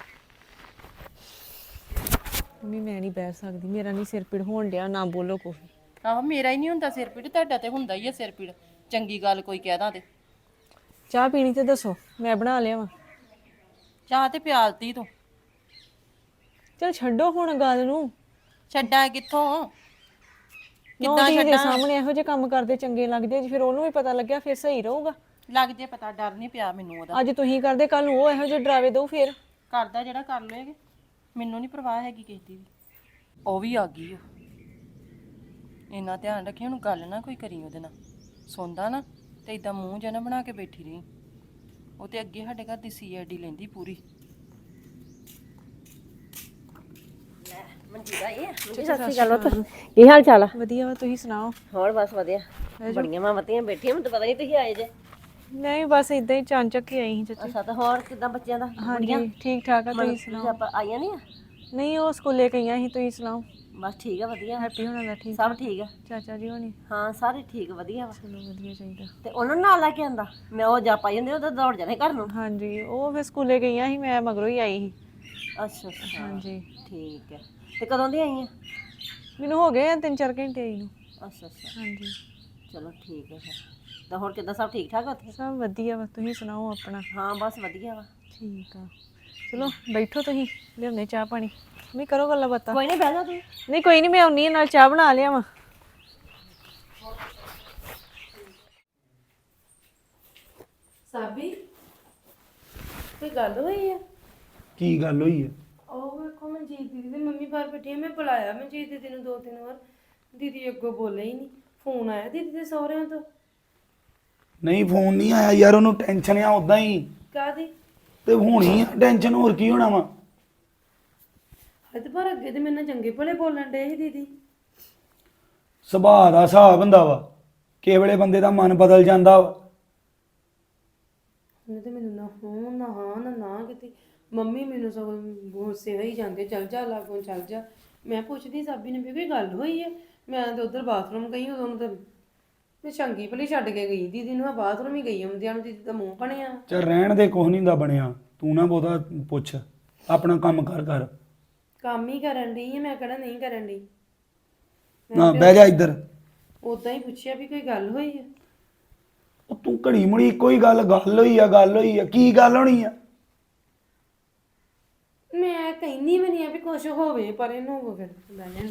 ਮੰਮੀ ਮੈਂ ਨਹੀਂ ਬਹਿ ਸਕਦੀ, ਮੇਰਾ ਨਹੀਂ ਸਿਰ ਪੀੜ ਹੋਣ ਡਿਆ, ਨਾ ਬੋਲੋ ਕੋਈ। ਆਹੋ ਮੇਰਾ ਹੀ ਨਹੀਂ ਹੁੰਦਾ ਸਿਰ ਪੀੜ, ਤੁਹਾਡਾ ਤੇ ਹੁੰਦਾ ਹੀ ਆ ਸਿਰ ਪੀੜ, ਚੰਗੀ ਗੱਲ ਕੋਈ ਕਹਿਦਾ ਤੇ। ਚਾਹ ਪੀਣੀ ਤੇ ਦੱਸੋ, ਮੈਂ ਬਣਾ ਲਿਆ ਵਾ। ਚਾਹ ਤੇ ਪਿਆਲਤੀ ਤੂੰ। ਚਲ ਛੱਡੋ ਹੁਣ ਗੱਲ ਨੂੰ। ਛੱਡਾਂ ਕਿੱਥੋਂ? ਕਿੱਦਾਂ ਛੱਡਾਂ? ਦੇ ਸਾਹਮਣੇ ਇਹੋ ਜਿਹੇ ਕੰਮ ਕਰਦੇ ਚੰਗੇ ਲੱਗਦੇ, ਜੇ ਫਿਰ ਉਹਨੂੰ ਵੀ ਪਤਾ ਲੱਗਿਆ ਫਿਰ ਸਹੀ ਰਹੂਗਾ। ਲੱਗ ਜੇ ਪਤਾ, ਡਰ ਨਹੀਂ ਪਿਆ ਮੈਨੂੰ ਉਹਦਾ। ਅੱਜ ਤੁਸੀਂ ਕਰਦੇ, ਕੱਲ ਨੂੰ ਉਹ ਇਹੋ ਜਿਹੇ ਡਰਾਵੇ ਦਊ ਫਿਰ। ਕਰਦਾ ਜਿਹੜਾ ਕਰ ਲਏਗੇ, ਮੈਨੂੰ ਨਹੀਂ ਪਰਵਾਹ ਹੈਗੀ ਕਿਸੇ ਦੀ ਵੀ। ਉਹ ਵੀ ਆ ਗਈ ਉਹ, ਇੰਨਾ ਧਿਆਨ ਰੱਖੀ ਉਹਨੂੰ ਗੱਲ ਨਾ ਕੋਈ ਕਰੀ ਉਹਦੇ ਨਾਲ, ਸੁਣਦਾ ਨਾ ਤੇ ਇਦਾਂ ਮੂੰਹ ਜਿਹਾ ਨਾ ਬਣਾ ਕੇ ਬੈਠੀ ਰਹੀ। ਉਹ ਤੇ ਅੱਗੇ ਸਾਡੇ ਘਰ ਦੀ ਸੀ ਆਈ ਡੀ ਲੈਂਦੀ ਪੂਰੀ। ਮਨਜੀਦਾ ਇਹ ਸਤਿ ਸ਼੍ਰੀ ਅਕਾਲ ਪੁੱਤ, ਕੀ ਹਾਲ ਚਾਲ ਆ? ਵਧੀਆ ਵਾ, ਤੁਸੀਂ ਸੁਣਾਓ? ਹੋਰ ਬਸ ਵਧੀਆ, ਬੜੀਆਂ ਮਾਵਾਂ ਬੈਠੀਆਂ, ਮੈਨੂੰ ਤਾਂ ਪਤਾ ਨਹੀਂ ਤੁਸੀਂ ਆਏ ਜੇ। ਨਹੀਂ ਬਸ ਇਦਾਂ ਹੀ ਚਾਂਚਕ ਹੀ ਆਈ ਸੀ ਚਾਚੀ। ਅੱਛਾ, ਤਾਂ ਹੋਰ ਕਿੱਦਾਂ ਬੱਚਿਆਂ ਦਾ? ਹਾਂਜੀ ਠੀਕ ਠਾਕ ਆ, ਤੁਸੀਂ ਸੁਣਾਓ? ਆਪਾਂ ਆਈਆਂ ਨਹੀਂ ਆ? ਨਹੀਂ ਉਹ ਸਕੂਲੇ ਗਈਆਂ ਸੀ, ਤੁਸੀਂ ਸੁਣਾਓ? ਬਸ ਠੀਕ ਆ, ਵਧੀਆ। ਹੈਪੀ ਹੋਣਾ ਦਾ ਠੀਕ? ਸਭ ਠੀਕ ਆ। ਚਾਚਾ ਜੀ ਹੋਣੀ? ਹਾਂ ਸਾਰੇ ਠੀਕ, ਵਧੀਆ ਵਾ। ਚਲੋ ਵਧੀਆ ਚਾਹੀਦਾ। ਤੇ ਉਹਨਾਂ ਨੂੰ ਨਾਲ ਲੈ ਕੇ ਆਂਦਾ, ਮੈਂ ਉਹ ਜਾ ਪਾਈ ਹੁੰਦੀ ਉਹ ਦੌੜ ਜਾਣੇ ਘਰ ਨੂੰ। ਹਾਂਜੀ ਉਹ ਫਿਰ ਸਕੂਲੇ ਗਈਆਂ ਸੀ, ਮੈਂ ਮਗਰੋਂ ਹੀ ਆਈ ਸੀ। ਅੱਛਾ ਅੱਛਾ ਹਾਂਜੀ ਠੀਕ ਹੈ। ਤੇ ਕਦੋਂ ਦੀ ਆਈਆਂ? ਮੈਨੂੰ ਹੋ ਗਏ ਆ ਤਿੰਨ ਚਾਰ ਘੰਟੇ ਆਈ ਨੂੰ। ਅੱਛਾ ਅੱਛਾ ਹਾਂਜੀ ਚਲੋ ਠੀਕ ਹੈ ਫਿਰ। ਤਾਂ ਹੋਰ ਕਿੱਦਾਂ, ਸਭ ਠੀਕ ਠਾਕ ਆ ਉੱਥੇ? ਸਭ ਵਧੀਆ ਵਾ, ਤੁਸੀਂ ਸੁਣਾਓ ਆਪਣਾ? ਹਾਂ ਬਸ ਵਧੀਆ ਵਾ। ਠੀਕ ਆ, ਚਲੋ ਬੈਠੋ, ਤੁਸੀਂ ਲਿਆਉਂਦੇ ਚਾਹ ਪਾਣੀ, ਮੈਂ ਕਰੋ ਗੱਲਾਂ ਬਾਤਾਂ। ਕੋਈ ਨਹੀਂ, ਬਹਿ ਜਾ ਤੂੰ। ਨਹੀਂ ਕੋਈ ਨਹੀਂ, ਮੈਂ ਆਉਣੀ ਆ, ਨਾਲ ਚਾਹ ਬਣਾ ਲਿਆ ਵਾ। ਸਾਬੀ ਕੋਈ ਗੱਲ ਹੋਈ ਆ? ਕੀ ਗੱਲ ਹੋਈ ਹੈ? ਉਹ ਵੇਖੋ ਮਨਜੀਤ ਦੀਦੀ ਤੇ ਮੰਮੀ ਬਾਹਰ ਬੈਠੀ ਆ, ਮੈਂ ਬੁਲਾਇਆ ਮਨਜੀਤ ਦੀਦੀ ਨੂੰ ਦੋ ਤਿੰਨ ਵਾਰ, ਦੀਦੀ ਅੱਗੋਂ ਬੋਲੇ ਹੀ ਨਹੀਂ। ਫੋਨ ਆਇਆ ਦੀਦੀ ਦੇ ਸਹੁਰਿਆਂ ਤੋਂ? ਨਹੀਂ ਫੋਨ ਨਹੀਂ ਆਇਆ ਯਾਰ, ਉਹਨੂੰ ਟੈਨਸ਼ਨ ਆ ਉਦਾਂ ਹੀ। ਕਾਹਦੀ? ਤੇ ਹੋਣੀ ਆ ਟੈਨਸ਼ਨ, ਹੋਰ ਕੀ ਹੋਣਾ ਵਾ। ਹੱਦ ਪਰ ਅੱਗੇ ਤੇ ਮੇਰੇ ਨਾਲ ਚੰਗੇ ਭਲੇ ਬੋਲਣ ਡੇ ਸੀ ਦੀਦੀ। ਸੁਭਾਅ ਦਾ ਹਿਸਾਬ ਹੁੰਦਾ ਵਾ, ਕਿਸੇ ਵੇਲੇ ਬੰਦੇ ਦਾ ਮਨ ਬਦਲ ਜਾਂਦਾ ਵਾ। ਉਹਨੇ ਤੇ ਮੈਨੂੰ ਨਾ ਹਾਂ ਨਾ ਹਾਂ ਨਾ ਨਾ ਕੀਤੀ। ਮੰਮੀ ਮੈਨੂੰ ਸਗੋਂ ਗੁੱਸੇ ਹੋਈ ਜਾਂਦੇ, ਚੱਲ ਜਾ ਲਾਗੋਂ ਚੱਲ ਜਾ। ਮੈਂ ਪੁੱਛਦੀ ਸਾਬੀ ਨੇ ਵੀ ਕੋਈ ਗੱਲ ਹੋਈ ਹੈ? ਮੈਂ ਤੇ ਉੱਧਰ ਬਾਥਰੂਮ ਗਈ, ਉਦੋਂ ਤਾਂ ਮੈਂ ਚੰਗੀ ਭਲੀ ਛੱਡ ਕੇ ਗਈ ਦੀਦੀ ਨੂੰ, ਮੈਂ ਬਾਥਰੂਮ ਹੀ ਗਈ ਹੁੰਦਿਆਂ ਨੂੰ, ਦੀਦੀ ਦਾ ਮੂੰਹ ਬਣਿਆ। ਚੱਲ ਰਹਿਣ ਦੇ, ਕੁਛ ਨਹੀਂ ਦਾ ਬਣਿਆ, ਤੂੰ ਨਾ ਬਹੁਤਾ ਪੁੱਛ, ਆਪਣਾ ਕੰਮ ਕਰ ਕਰ। ਕੰਮ ਹੀ ਕਰਨ ਡਈ ਆ, ਮੈਂ ਕਿਹੜਾ ਨਹੀਂ ਕਰਨ ਡਈ। ਨਾ ਬਹਿ ਜਾ ਇੱਧਰ। ਉਦਾਂ ਹੀ ਪੁੱਛਿਆ ਵੀ ਕੋਈ ਗੱਲ ਹੋਈ ਹੈ? ਉਹ ਤੂੰ ਘੜੀ ਮੁੜੀ ਕੋਈ ਗੱਲ ਗੱਲ ਹੋਈ ਆ ਗੱਲ ਹੋਈ ਆ, ਕੀ ਗੱਲ ਹੋਣੀ ਆ? ਮੈਂ ਕਹਿੰਦੀ ਵੀ ਨਹੀਂ ਆ ਵੀ ਕੁਛ ਹੋਵੇ, ਪਰ ਇਹਨੂੰ ਹੋਵੇ ਫਿਰ ਲੈ ਲੈਣ।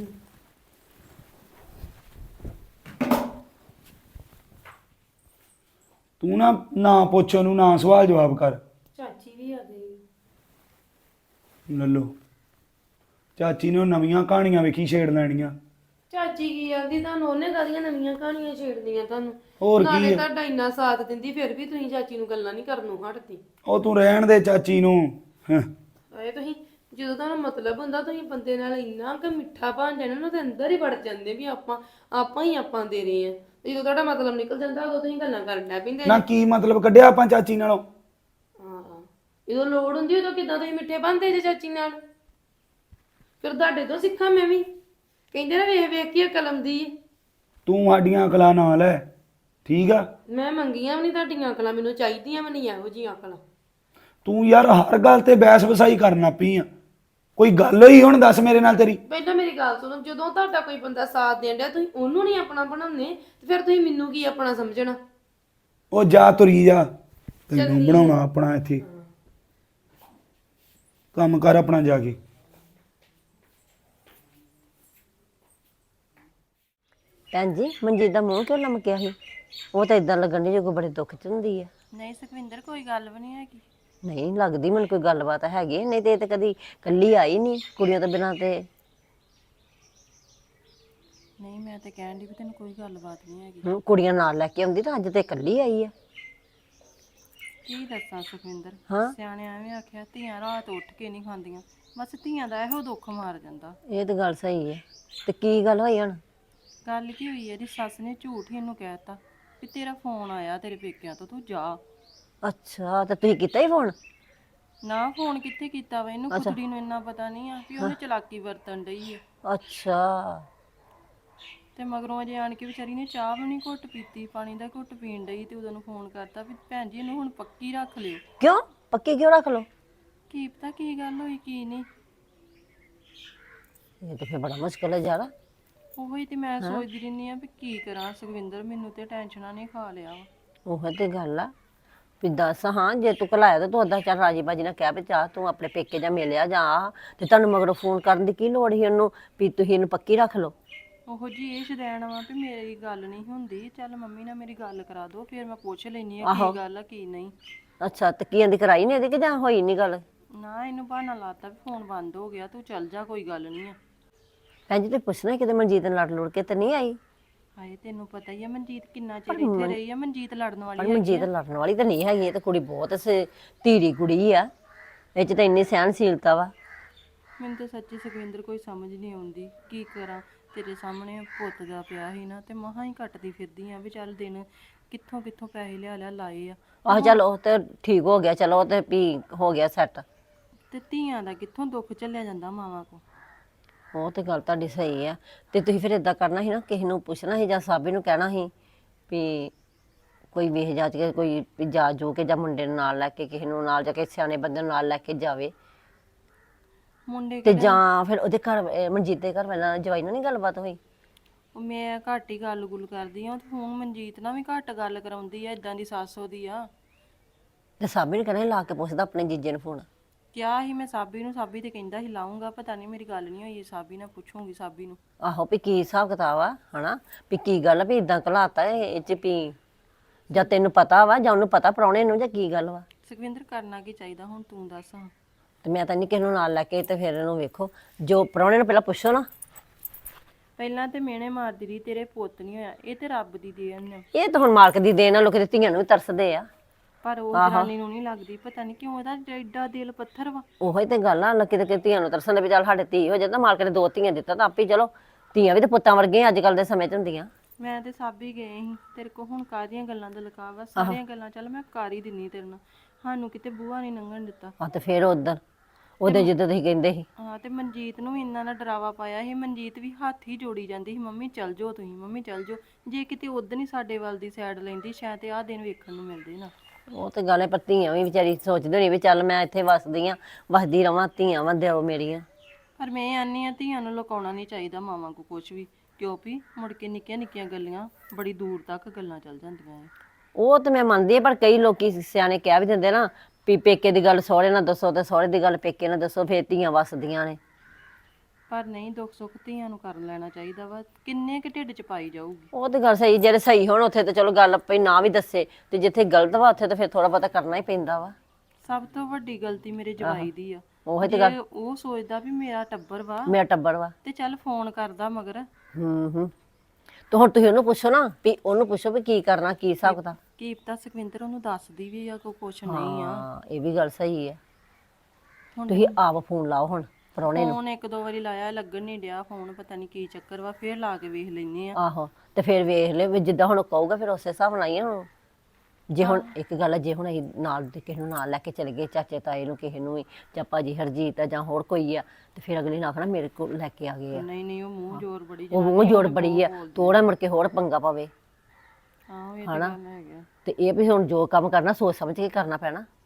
ਤੂੰ ਨਾ ਨਾ ਪੁੱਛ ਉਹਨੂੰ, ਨਾ ਸਵਾਲ ਜਵਾਬ ਕਰ। ਚਾਚੀ ਵੀ ਆ ਗਈ। ਲੱਲੋ ਚਾਚੀ ਨੇ ਉਹ ਨਵੀਆਂ ਕਹਾਣੀਆਂ ਵੇਖੀ ਛੇੜ ਲੈਣੀਆਂ। ਚਾਚੀ ਕੀ ਆਂਦੀ ਤੁਹਾਨੂੰ? ਉਹਨੇ ਕਾਹਦੀਆਂ ਨਵੀਆਂ ਕਹਾਣੀਆਂ ਛੇੜਦੀਆਂ ਤੁਹਾਨੂੰ? ਹੋਰ ਕੀ ਨਾਲੇ ਆ? ਤੁਹਾਡਾ ਇੰਨਾ ਸਾਥ ਦਿੰਦੀ, ਫਿਰ ਵੀ ਤੁਸੀਂ ਚਾਚੀ ਨੂੰ ਗੱਲਾਂ ਨਹੀਂ ਕਰਨੋਂ ਹਟਦੀ। ਉਹ ਤੂੰ ਰਹਿਣ ਦੇ ਚਾਚੀ ਨੂੰ। ਹੈਂ। ਆਏ ਤੁਸੀਂ ਜਦੋਂ ਤੁਹਾਨੂੰ ਮਤਲਬ ਹੁੰਦਾ, ਤੁਸੀਂ ਬੰਦੇ ਨਾਲ ਇੰਨਾ ਕਿ ਮਿੱਠਾ ਬਣ ਜਾਣਾ ਨਾ, ਤੇ ਅੰਦਰ ਹੀ ਵੜ ਜਾਂਦੇ ਵੀ ਆਪਾਂ ਆਪਾਂ ਹੀ ਆਪਾਂ ਦੇ ਰਹੇ ਆ। ਤੇ ਜਦੋਂ ਤੁਹਾਡਾ ਮਤਲਬ ਨਿਕਲ ਜਾਂਦਾ, ਉਦੋਂ ਤੁਸੀਂ ਗੱਲਾਂ ਕਰਨ ਲੱਗ ਪੈਂਦੇ। ਨਾ ਕੀ ਮਤਲਬ ਕੱਢਿਆ ਆਪਾਂ ਚਾਚੀ ਨਾਲੋਂ? ਹਾਂ ਜਦੋਂ ਲੋੜ ਹੁੰਦੀ ਉਦੋਂ ਕਿੱਦਾਂ ਤੁਸੀਂ ਮਿੱਠੇ ਬਣਦੇ ਜੇ ਚਾਚੀ ਨਾਲ? ਫਿਰ ਤੁਹਾਡੇ ਤੋਂ ਸਿੱਖਾਂ ਮੈਂ ਵੀ। ਕਹਿੰਦੇ ਨਾ ਵੇਖ ਵੇਖ ਕੇ ਅਕਲ ਆਉਂਦੀ ਏ। ਤੂੰ ਸਾਡੀਆਂ ਅਕਲਾਂ ਨਾ ਲੈ, ਠੀਕ ਆ? ਮੈਂ ਮੰਗੀਆਂ ਵੀ ਨਹੀਂ ਤੁਹਾਡੀਆਂ ਅਕਲਾਂ, ਮੈਨੂੰ ਚਾਹੀਦੀਆਂ ਵੀ ਨਹੀਂ ਇਹੋ ਜਿਹੀਆਂ ਅਕਲਾਂ। ਤੂੰ ਯਾਰ ਹਰ ਗੱਲ ਤੇ ਬਹਿਸ ਵਸਾਈ ਕਰਨਾ ਪਈ ਆ। ਕੋਈ ਗੱਲ ਹੋਈ ਹੁਣ ਦੱਸ ਮੇਰੇ ਨਾਲ ਤੇਰੀ? ਪਹਿਲਾਂ ਮੇਰੀ ਗੱਲ ਸੁਣੋ, ਜਦੋਂ ਤੁਹਾਡਾ ਕੋਈ ਬੰਦਾ ਸਾਥ ਦੇਣ ਡਿਆ ਤੁਸੀਂ ਉਹਨੂੰ ਨਹੀਂ ਆਪਣਾ ਬਣਾਉਂਦੇ ਤੇ ਫਿਰ ਤੁਸੀਂ ਮੈਨੂੰ ਕੀ ਆਪਣਾ ਸਮਝਣਾ? ਉਹ ਜਾ ਤੁਰੀ ਜਾ, ਤੈਨੂੰ ਬਣਾਉਣਾ ਆਪਣਾ ਇੱਥੇ। ਕੰਮ ਕਰ ਆਪਣਾ ਜਾ ਕੇ। ਭੈਣ ਜੀ ਮਨਜੀਤ ਦਾ ਮੂੰਹ ਕਿਉਂ ਲਮਕਿਆ ਸੀ? ਉਹ ਤਾਂ ਇਦਾਂ ਲੱਗਣ ਦੀ ਜੋ ਬੜੇ ਦੁੱਖ ਚ ਹੁੰਦੀ ਆ। ਨਹੀਂ ਸੁਖਵਿੰਦਰ ਕੋਈ ਗੱਲ ਵੀ ਨਹੀਂ ਹੈਗੀ। ਨਹੀਂ ਲੱਗਦੀ ਮੈਨੂੰ ਕੋਈ ਗੱਲਬਾਤ ਹੈਗੀ, ਨਹੀਂ ਤੇ ਇਹ ਤਾਂ ਕਦੀ ਕੱਲੀ ਆਈ ਨਹੀਂ ਕੁੜੀਆਂ ਤੋਂ ਬਿਨਾਂ ਤੇ। ਨਹੀਂ ਮੈਂ ਤੇ ਕਹਿਣ ਦੀ ਵੀ ਤੈਨੂੰ ਕੋਈ ਗੱਲਬਾਤ ਨਹੀਂ ਹੈਗੀ। ਹੁਣ ਕੁੜੀਆਂ ਨਾਲ ਲੈ ਕੇ ਆਉਂਦੀ ਤਾਂ ਅੱਜ ਤੇ ਇਕੱਲੀ ਆਈ ਆ। ਕੀ ਦੱਸਾਂ ਸੁਖਵਿੰਦਰ, ਹਾਂ ਸਿਆਣੇ ਐਵੇਂ ਆਖਿਆ ਧੀਆਂ ਰਾਤ ਉੱਠ ਕੇ ਨਹੀਂ ਖਾਂਦੀਆਂ। ਬਸ ਧੀਆਂ ਦਾ ਇਹੋ ਦੁੱਖ ਮਾਰ ਜਾਂਦਾ। ਇਹ ਤਾਂ ਗੱਲ ਸਹੀ ਹੈ। ਤੇ ਕੀ ਗੱਲ ਹੋਈ ਹੁਣ? ਗੱਲ ਕੀ ਹੋਈ, ਇਹਦੀ ਸੱਸ ਨੇ ਝੂਠ ਹੀ ਇਹਨੂੰ ਕਹਿਤਾ ਵੀ ਤੇਰਾ ਫੋਨ ਆਇਆ ਤੇਰੇ ਪੇਕਿਆਂ ਤੋਂ, ਤੂੰ ਜਾ। ਅੱਛਾ ਤੇ ਤੁਸੀਂ ਕੀਤਾ ਹੀ ਫੋਨ? ਨਾ ਫੋਨ ਕਿੱਥੇ ਕੀਤਾ ਵਾ, ਇਹਨੂੰ ਕੁੜੀ ਨੂੰ ਇੰਨਾ ਪਤਾ ਨਹੀਂ ਆ ਵੀ ਉਹਨੇ ਚਲਾਕੀ ਵਰਤਣ ਡਈ ਆ। ਅੱਛਾ ਤੇ ਮਗਰੋਂ ਅਜੇ ਆਣ ਕੇ ਵਿਚਾਰੀ ਨੇ ਚਾਹ ਵੀ ਨਹੀਂ ਘੁੱਟ ਪੀਤੀ, ਪਾਣੀ ਦਾ ਘੁੱਟ ਪੀਣ ਡਈ ਤੇ ਉਦੋਂ ਨੂੰ ਫੋਨ ਕਰਤਾ ਵੀ ਭੈਣ ਜੀ ਇਹਨੂੰ ਹੁਣ ਪੱਕੀ ਰੱਖ ਲਿਓ। ਕਿਉਂ ਪੱਕੀ ਕਿਉਂ ਰੱਖ ਲਓ? ਕੀ ਪਤਾ ਕੀ ਗੱਲ ਹੋਈ ਕੀ ਨਹੀਂ। ਇਹ ਤਾਂ ਫਿਰ ਬੜਾ ਮੁਸ਼ਕਲ ਹੈ ਯਾਰ। ਉਹੀ ਤੇ ਮੈਂ ਸੋਚਦੀ ਰਹਿੰਦੀ ਆ ਵੀ ਕੀ ਕਰਾਂ ਸੁਖਵਿੰਦਰ, ਮੈਨੂੰ ਤੇ ਟੈਨਸ਼ਨਾਂ ਨੇ ਖਾ ਲਿਆ ਵਾ। ਉਹ ਤੇ ਗੱਲ ਆ ਵੀ ਦੱਸ, ਹਾਂ ਜੇ ਤੂੰ ਘਲਾਇਆ ਤਾਂ ਤੂੰ ਓਦਾਂ ਚੱਲ ਰਾਜੀ ਬਾਜੀ ਨਾਲ ਕਹਿ ਵੀ ਚਾਹ ਤੂੰ ਆਪਣੇ ਪੇਕੇ ਜਾਂ ਮਿਲਿਆ ਜਾਂ ਆ, ਤੇ ਤੁਹਾਨੂੰ ਮਗਰੋਂ ਫੋਨ ਕਰਨ ਦੀ ਕੀ ਲੋੜ ਸੀ ਉਹਨੂੰ ਵੀ ਤੁਸੀਂ ਇਹਨੂੰ ਪੱਕੀ ਰੱਖ ਲਓ? ਉਹੋ ਜੀ ਇਹ ਸ਼ਦੈਣ ਵਾ ਵੀ ਮੇਰੀ ਗੱਲ ਨਹੀਂ ਹੁੰਦੀ, ਚੱਲ ਮੰਮੀ ਨਾਲ ਮੇਰੀ ਗੱਲ ਕਰਾ ਦਿਓ ਫਿਰ ਮੈਂ ਪੁੱਛ ਲੈਣੀ ਆ ਕੀ ਗੱਲ ਆ ਕੀ ਨਹੀਂ। ਅੱਛਾ ਤੇ ਕੀ ਕਹਿੰਦੀ ਕਰਾਈ ਨਹੀਂ ਇਹਦੀ ਕਿ ਜਾਂ ਹੋਈ ਨਹੀਂ ਗੱਲ? ਨਾ ਇਹਨੂੰ ਬਹਾਨਾ ਲਾਤਾ ਵੀ ਫੋਨ ਬੰਦ ਹੋ ਗਿਆ, ਤੂੰ ਚੱਲ ਜਾ ਕੋਈ ਗੱਲ ਨਹੀਂ ਆ। ਭੈਣ ਜੀ ਤੇ ਪੁੱਛਣਾ ਕਿਤੇ ਮਨਜੀਤ ਨਾਲ ਲੜ ਲੁੜ ਕੇ ਤੇ ਨਹੀਂ ਆਈ? ਹਾਏ ਤੈਨੂੰ ਪਤਾ ਹੀ ਆ ਮਨਜੀਤ ਕਿੰਨਾ ਚਿਰ ਇੱਥੇ ਰਹੀ ਆ, ਮਨਜੀਤ ਲੜਨ ਵਾਲੀ ਪਰ ਮਨਜੀਤ ਲੜਨ ਵਾਲੀ ਤਾਂ ਨਹੀਂ ਹੈਗੀ, ਇਹ ਤਾਂ ਕੁੜੀ ਬਹੁਤ ਸ- ਧੀਰੀ ਕੁੜੀ ਆ, ਇਹ ਚ ਤਾਂ ਇੰਨੀ ਸਹਿਣਸ਼ੀਲਤਾ ਵਾ। ਮੈਨੂੰ ਤਾਂ ਸੱਚੀ ਸੁਖਵਿੰਦਰ ਕੋਈ ਸਮਝ ਨਹੀਂ ਆਉਂਦੀ ਕੀ ਕਰਾਂ। ਤੇਰੇ ਸਾਹਮਣੇ ਪੁੱਤ ਦਾ ਪਿਆ ਸੀ ਨਾ ਤੇ ਮਹਾਂ ਹੀ ਕੱਟਦੀ ਫਿਰਦੀ ਆ ਵੀ ਚੱਲ ਦਿਨ ਕਿੱਥੋਂ ਕਿੱਥੋਂ ਪੈਸੇ ਲਿਆ ਲਿਆ ਲਾਏ ਆ। ਆਹ ਚੱਲ ਉਹ ਤੇ ਠੀਕ ਹੋ ਗਿਆ, ਚਲੋ ਉਹ ਤੇ ਵੀ ਹੋ ਗਿਆ ਸੈੱਟ। ਤੇ ਧੀਆਂ ਦਾ ਕਿੱਥੋਂ ਦੁੱਖ ਝੱਲਿਆ ਜਾਂਦਾ ਮਾਵਾਂ ਕੋ। ਉਹ ਤੇ ਗੱਲ ਤੁਹਾਡੀ ਸਹੀ ਆ। ਤੇ ਤੁਸੀਂ ਫਿਰ ਇਦਾਂ ਕਰਨਾ ਸੀ ਨਾ, ਕਿਸੇ ਨੂੰ ਪੁੱਛਣਾ ਸੀ ਜਾਂ ਸਾਬੀ ਨੂੰ ਕਹਿਣਾ ਸੀ ਵੀ ਕੋਈ ਵੇਖ ਜਾਚ ਕੇ ਕੋਈ ਵੀ ਜਾ ਜੋ ਕੇ ਜਾਂ ਮੁੰਡੇ ਨੂੰ ਨਾਲ ਲੈ ਕੇ ਕਿਸੇ ਨੂੰ ਨਾਲ ਜਾ ਕੇ ਸਿਆਣੇ ਬੰਦੇ ਨੂੰ ਨਾਲ ਲੈ ਕੇ ਜਾਵੇ। ਮੁੰਡੇ ਤੇ ਜਾਂ ਫਿਰ ਉਹਦੇ ਘਰ ਅਹ ਮਨਜੀਤ ਦੇ ਘਰ ਵਾਲਾ ਜਵਾਈ ਨਾਲ ਨਹੀਂ ਗੱਲਬਾਤ ਹੋਈ? ਉਹ ਮੈਂ ਘੱਟ ਹੀ ਗੱਲ ਗੁੱਲ ਕਰਦੀ ਆ ਤੇ ਹੁਣ ਮਨਜੀਤ ਨਾਲ ਵੀ ਘੱਟ ਗੱਲ ਕਰਾਉਂਦੀ ਆ, ਇਦਾਂ ਦੀ ਸੱਸ ਉਹਦੀ ਆ। ਤੇ ਸਾਬੀ ਨੂੰ ਕਹਿਣਾ ਸੀ ਲਾ ਕੇ ਪੁੱਛਦਾ ਆਪਣੇ ਜੀਜੇ ਨੂੰ ਫੋਨ। ਕਿਹਾ ਸੀ ਮੈਂ ਸਾਬੀ ਨੂੰ, ਸਾਬੀ ਤੇ ਕਹਿੰਦਾ ਸੀ ਲਾਉਂਗਾ, ਪਤਾ ਨਹੀਂ ਮੇਰੀ ਗੱਲ ਨਹੀਂ ਹੋਈ ਸਾਬੀ ਨਾਲ, ਪੁੱਛੂੰਗੀ ਸਾਬੀ ਨੂੰ। ਆਹੋ ਵੀ ਕੀ ਹਿਸਾਬ ਕਿਤਾਬ ਆ ਹਨਾ, ਵੀ ਕੀ ਗੱਲ ਆ ਵੀ ਇਦਾਂ ਘਲਾਤਾ ਇਹ ਚ ਵੀ ਜਾਂ ਤੈਨੂੰ ਪਤਾ ਵਾ ਜਾਂ ਉਹਨੂੰ ਪਤਾ ਪ੍ਰਾਹੁਣੇ ਨੂੰ ਜਾਂ ਕੀ ਗੱਲ ਵਾ? ਸੁਖਵਿੰਦਰ ਕਰਨਾ ਕੀ ਚਾਹੀਦਾ ਹੁਣ ਤੂੰ ਦੱਸ। ਹਾਂ ਤੇ ਮੈਂ ਤਾਂ ਨਹੀਂ ਕਿਸੇ ਨੂੰ ਨਾਲ ਲੈ ਕੇ ਤੇ ਫਿਰ ਇਹਨੂੰ ਵੇਖੋ, ਜੋ ਪ੍ਰਾਹੁਣੇ ਨੂੰ ਪਹਿਲਾਂ ਪੁੱਛੋ ਨਾ। ਪਹਿਲਾਂ ਤੇ ਮਿਹਣੇ ਮਾਰਦੀ ਰਹੀ ਤੇਰੇ ਪੁੱਤ ਨਹੀਂ ਹੋਇਆ, ਇਹ ਤੇ ਰੱਬ ਦੀ ਦੇਣ ਆ। ਇਹ ਤਾਂ ਹੁਣ ਮਾਲਕ ਦੀ ਦੇਣ ਆ, ਲੋਕ ਤੇ ਧੀਆਂ ਨੂੰ ਵੀ ਤਰਸਦੇ ਆ। ਪਰ ਉਹ ਜਨਾਨੀ ਨੂੰ ਨਹੀਂ ਲੱਗਦੀ, ਪਤਾ ਨਹੀਂ ਕਿਉਂ ਉਹਦਾ ਐਡਾ ਦਿਲ ਪੱਥਰ ਵਾ। ਉਹੀ ਤੇ ਗੱਲ ਆ, ਲੱਕੀ ਤੇ ਧੀਆਂ ਨੂੰ ਤਰਸਣ ਦੇ ਵੀ ਚੱਲ ਸਾਡੇ ਧੀ ਹੋ ਜਾਂਦਾ, ਮਾਲਕ ਨੇ ਦੋ ਧੀਆਂ ਦਿੱਤਾ ਤਾਂ ਆਪੇ ਚਲੋ ਧੀਆਂ ਵੀ ਤੇ ਪੁੱਤਾਂ ਵਰਗੀਆਂ ਅੱਜ ਕੱਲ ਦੇ ਸਮੇਂ 'ਚ ਹੁੰਦੀਆਂ। ਮੈਂ ਤੇ ਸਾਬੀ ਗਏ ਸੀ ਤੇਰੇ ਕੋ, ਹੁਣ ਕਾਹਦੀਆਂ ਗੱਲਾਂ ਦਾ ਲਕਾਵਾ, ਸਾਰੀਆਂ ਗੱਲਾਂ ਚੱਲ ਮੈਂ ਕਰ ਹੀ ਦਿੰਨੀ ਤੇਰੇ ਨਾਲ, ਸਾਨੂੰ ਕਿਤੇ ਬੂਹਾ ਨਹੀਂ ਲੰਘਣ ਦਿੱਤਾ। ਆ ਤੇ ਫਿਰ ਉਧਰ ਉਹਦੇ ਜਿੱਦਾਂ ਤੁਸੀਂ ਕਹਿੰਦੇ ਸੀ। ਹਾਂ ਤੇ ਮਨਜੀਤ ਨੂੰ ਵੀ ਇੰਨਾ ਨਾ ਡਰਾਵਾ ਪਾਇਆ ਸੀ, ਮਨਜੀਤ ਵੀ ਹੱਥ ਹੀ ਜੋੜੀ ਜਾਂਦੀ ਸੀ, ਮੰਮੀ ਚੱਲ ਜਾਓ ਤੁਸੀਂ, ਮੰਮੀ ਚੱਲ ਜਾਓ। ਜੇ ਕਿਤੇ ਉਦੋਂ ਹੀ ਸਾਡੇ ਵੱਲ ਦੀ ਸਾਈਡ ਲੈਂਦੀ ਸ਼ਾਇਦ ਆਹ ਦਿਨ ਵੇਖਣ ਨੂੰ ਮਿਲਦੇ ਨਾ। ਉਹ ਤੇ ਗੱਲ ਹੈ, ਪਰ ਧੀਆਂ ਵੀ ਵਿਚਾਰੀ ਸੋਚਦੀ ਹੋਣੀ ਵੀ ਚੱਲ ਮੈਂ ਇੱਥੇ ਵਸਦੀ ਆ, ਵਸਦੀ ਰਵਾਂ, ਧੀਆਂ ਵਾ ਦਿਓ ਮੇਰੀਆਂ। ਪਰ ਮੈਂ ਆਨੀ ਆ ਧੀਆਂ ਨੂੰ ਲੁਕਾਉਣਾ ਨਹੀਂ ਚਾਹੀਦਾ ਮਾਵਾਂ ਕੋ ਕੁਝ ਵੀ, ਕਿਉਂ ਵੀ ਮੁੜ ਕੇ ਨਿੱਕੀਆਂ ਨਿੱਕੀਆਂ ਗੱਲਾਂ ਬੜੀ ਦੂਰ ਤੱਕ ਗੱਲਾਂ ਚੱਲ ਜਾਂਦੀਆਂ ਐ। ਉਹ ਤੇ ਮੈਂ ਮੰਨਦੀ ਆ, ਪਰ ਕਈ ਲੋਕੀ ਸਿਆਣੇ ਕਹਿ ਵੀ ਦਿੰਦੇ ਨਾ ਵੀ ਪੇਕੇ ਦੀ ਗੱਲ ਸਹੁਰੇ ਨਾਲ ਦੱਸੋ ਤੇ ਸਹੁਰੇ ਦੀ ਗੱਲ ਪੇਕੇ ਨਾਲ ਦੱਸੋ, ਫੇਰ ਧੀਆਂ ਵਸਦੀਆਂ ਨੇ। ਪਰ ਨਹੀਂ, ਦੁੱਖ ਸੁੱਖ ਧੀਆਂ ਨੂੰ ਕਰ ਲੈਣਾ ਚਾਹੀਦਾ ਵਾ, ਕਿੰਨੇ ਕੁ ਢਿੱਡ ਚ ਪਾਈ ਜਾਊਗੀ। ਉਹ ਤੇ ਗੱਲ ਸਹੀ, ਜਿਹੜੇ ਸਹੀ ਹੋਣ ਉੱਥੇ ਤੇ ਚਲੋ ਗੱਲ ਪਈ ਨਾ ਵੀ ਦੱਸੇ, ਤੇ ਜਿੱਥੇ ਗਲਤ ਵਾ ਉੱਥੇ ਤੇ ਫਿਰ ਥੋੜਾ ਬਹੁਤਾ ਕਰਨਾ ਹੀ ਪੈਂਦਾ ਵਾ। ਸਭ ਤੋਂ ਵੱਡੀ ਗਲਤੀ ਮੇਰੇ ਜਵਾਈ ਦੀ ਆ। ਉਹੀ ਤੇ ਜੇ ਉਹ ਸੋਚਦਾ ਵੀ ਮੇਰਾ ਟੱਬਰ ਵਾ ਮੇਰਾ ਟੱਬਰ ਵਾ। ਤੇ ਚੱਲ ਫੋਨ ਕਰਦਾ ਮਗਰ। ਹੂੰ ਹੂੰ ਤੇ ਹੁਣ ਤੁਸੀਂ ਉਹਨੂੰ ਪੁੱਛੋ ਨਾ, ਵੀ ਉਹਨੂੰ ਪੁੱਛੋ ਵੀ ਕੀ ਕਰਨਾ, ਕੀ ਹਿਸਾਬ ਕਿਤਾਬ। ਕੀ ਪਤਾ ਸੁਖਵਿੰਦਰ ਉਹਨੂੰ ਦੱਸਦੀ ਵੀ ਆ ਕੋਈ ਕੁਛ ਨਹੀਂ ਆ। ਹਾਂ ਇਹ ਵੀ ਗੱਲ ਸਹੀ ਹੈ। ਤੁਸੀਂ ਆਪ ਫੋਨ ਲਾਓ ਹੁਣ ਪ੍ਰਾਹੁਣੇ ਨੂੰ। ਫੋਨ ਇੱਕ ਦੋ ਵਾਰੀ ਲਾਇਆ, ਲੱਗਣ ਨਹੀਂ ਡਿਆ ਫੋਨ, ਪਤਾ ਨਹੀਂ ਕੀ ਚੱਕਰ ਵਾ, ਫੇਰ ਲਾ ਕੇ ਵੇਖ ਲੈਨੇ ਆ। ਆਹੋ ਤੇ ਫਿਰ ਵੇਖ ਲੈ ਵੀ ਜਿੱਦਾਂ ਹੁਣ ਕਹੂਗਾ ਫਿਰ ਉਸੇ ਹਿਸਾਬ ਨਾਲ ਹੀ ਆ ਹੁਣ। ਜੇ ਹੁਣ ਇੱਕ ਗੱਲ ਹੈ, ਜੇ ਹੁਣ ਅਸੀਂ ਨਾਲ ਦੇ ਕਿਸੇ ਨੂੰ ਨਾਲ ਲੈ ਕੇ ਚਲੇ ਗਏ, ਚਾਚੇ ਤਾਏ ਨੂੰ ਕਿਸੇ ਨੂੰ ਵੀ, ਜਾਂ ਭਾਜੀ ਹਰਜੀਤ ਆ ਜਾਂ ਹੋਰ ਕੋਈ ਆ, ਤੇ ਫਿਰ ਅਗਲੀ ਨੇ ਆਖਣਾ ਮੇਰੇ ਕੋਲ ਲੈ ਕੇ ਆ ਗਏ ਆ। ਨਹੀਂ ਨਹੀਂ ਉਹ ਮੂੰਹ ਜ਼ੋਰ ਬੜੀ ਉਹ ਮੂੰਹ ਜੋੜ ਬੜੀ ਆ, ਤੋੜਾ ਮੁੜ ਕੇ ਹੋਰ ਪੰਗਾ ਪਵੇ। ਆਹੋ ਇਹ ਤਾਂ ਗੱਲ ਹੈਗਾ। ਤੇ ਇਹ ਵੀ ਹੁਣ ਜੋ ਕੰਮ ਕਰਨਾ ਸੋਚ ਸਮਝ ਕੇ ਕਰਨਾ ਪੈਣਾ।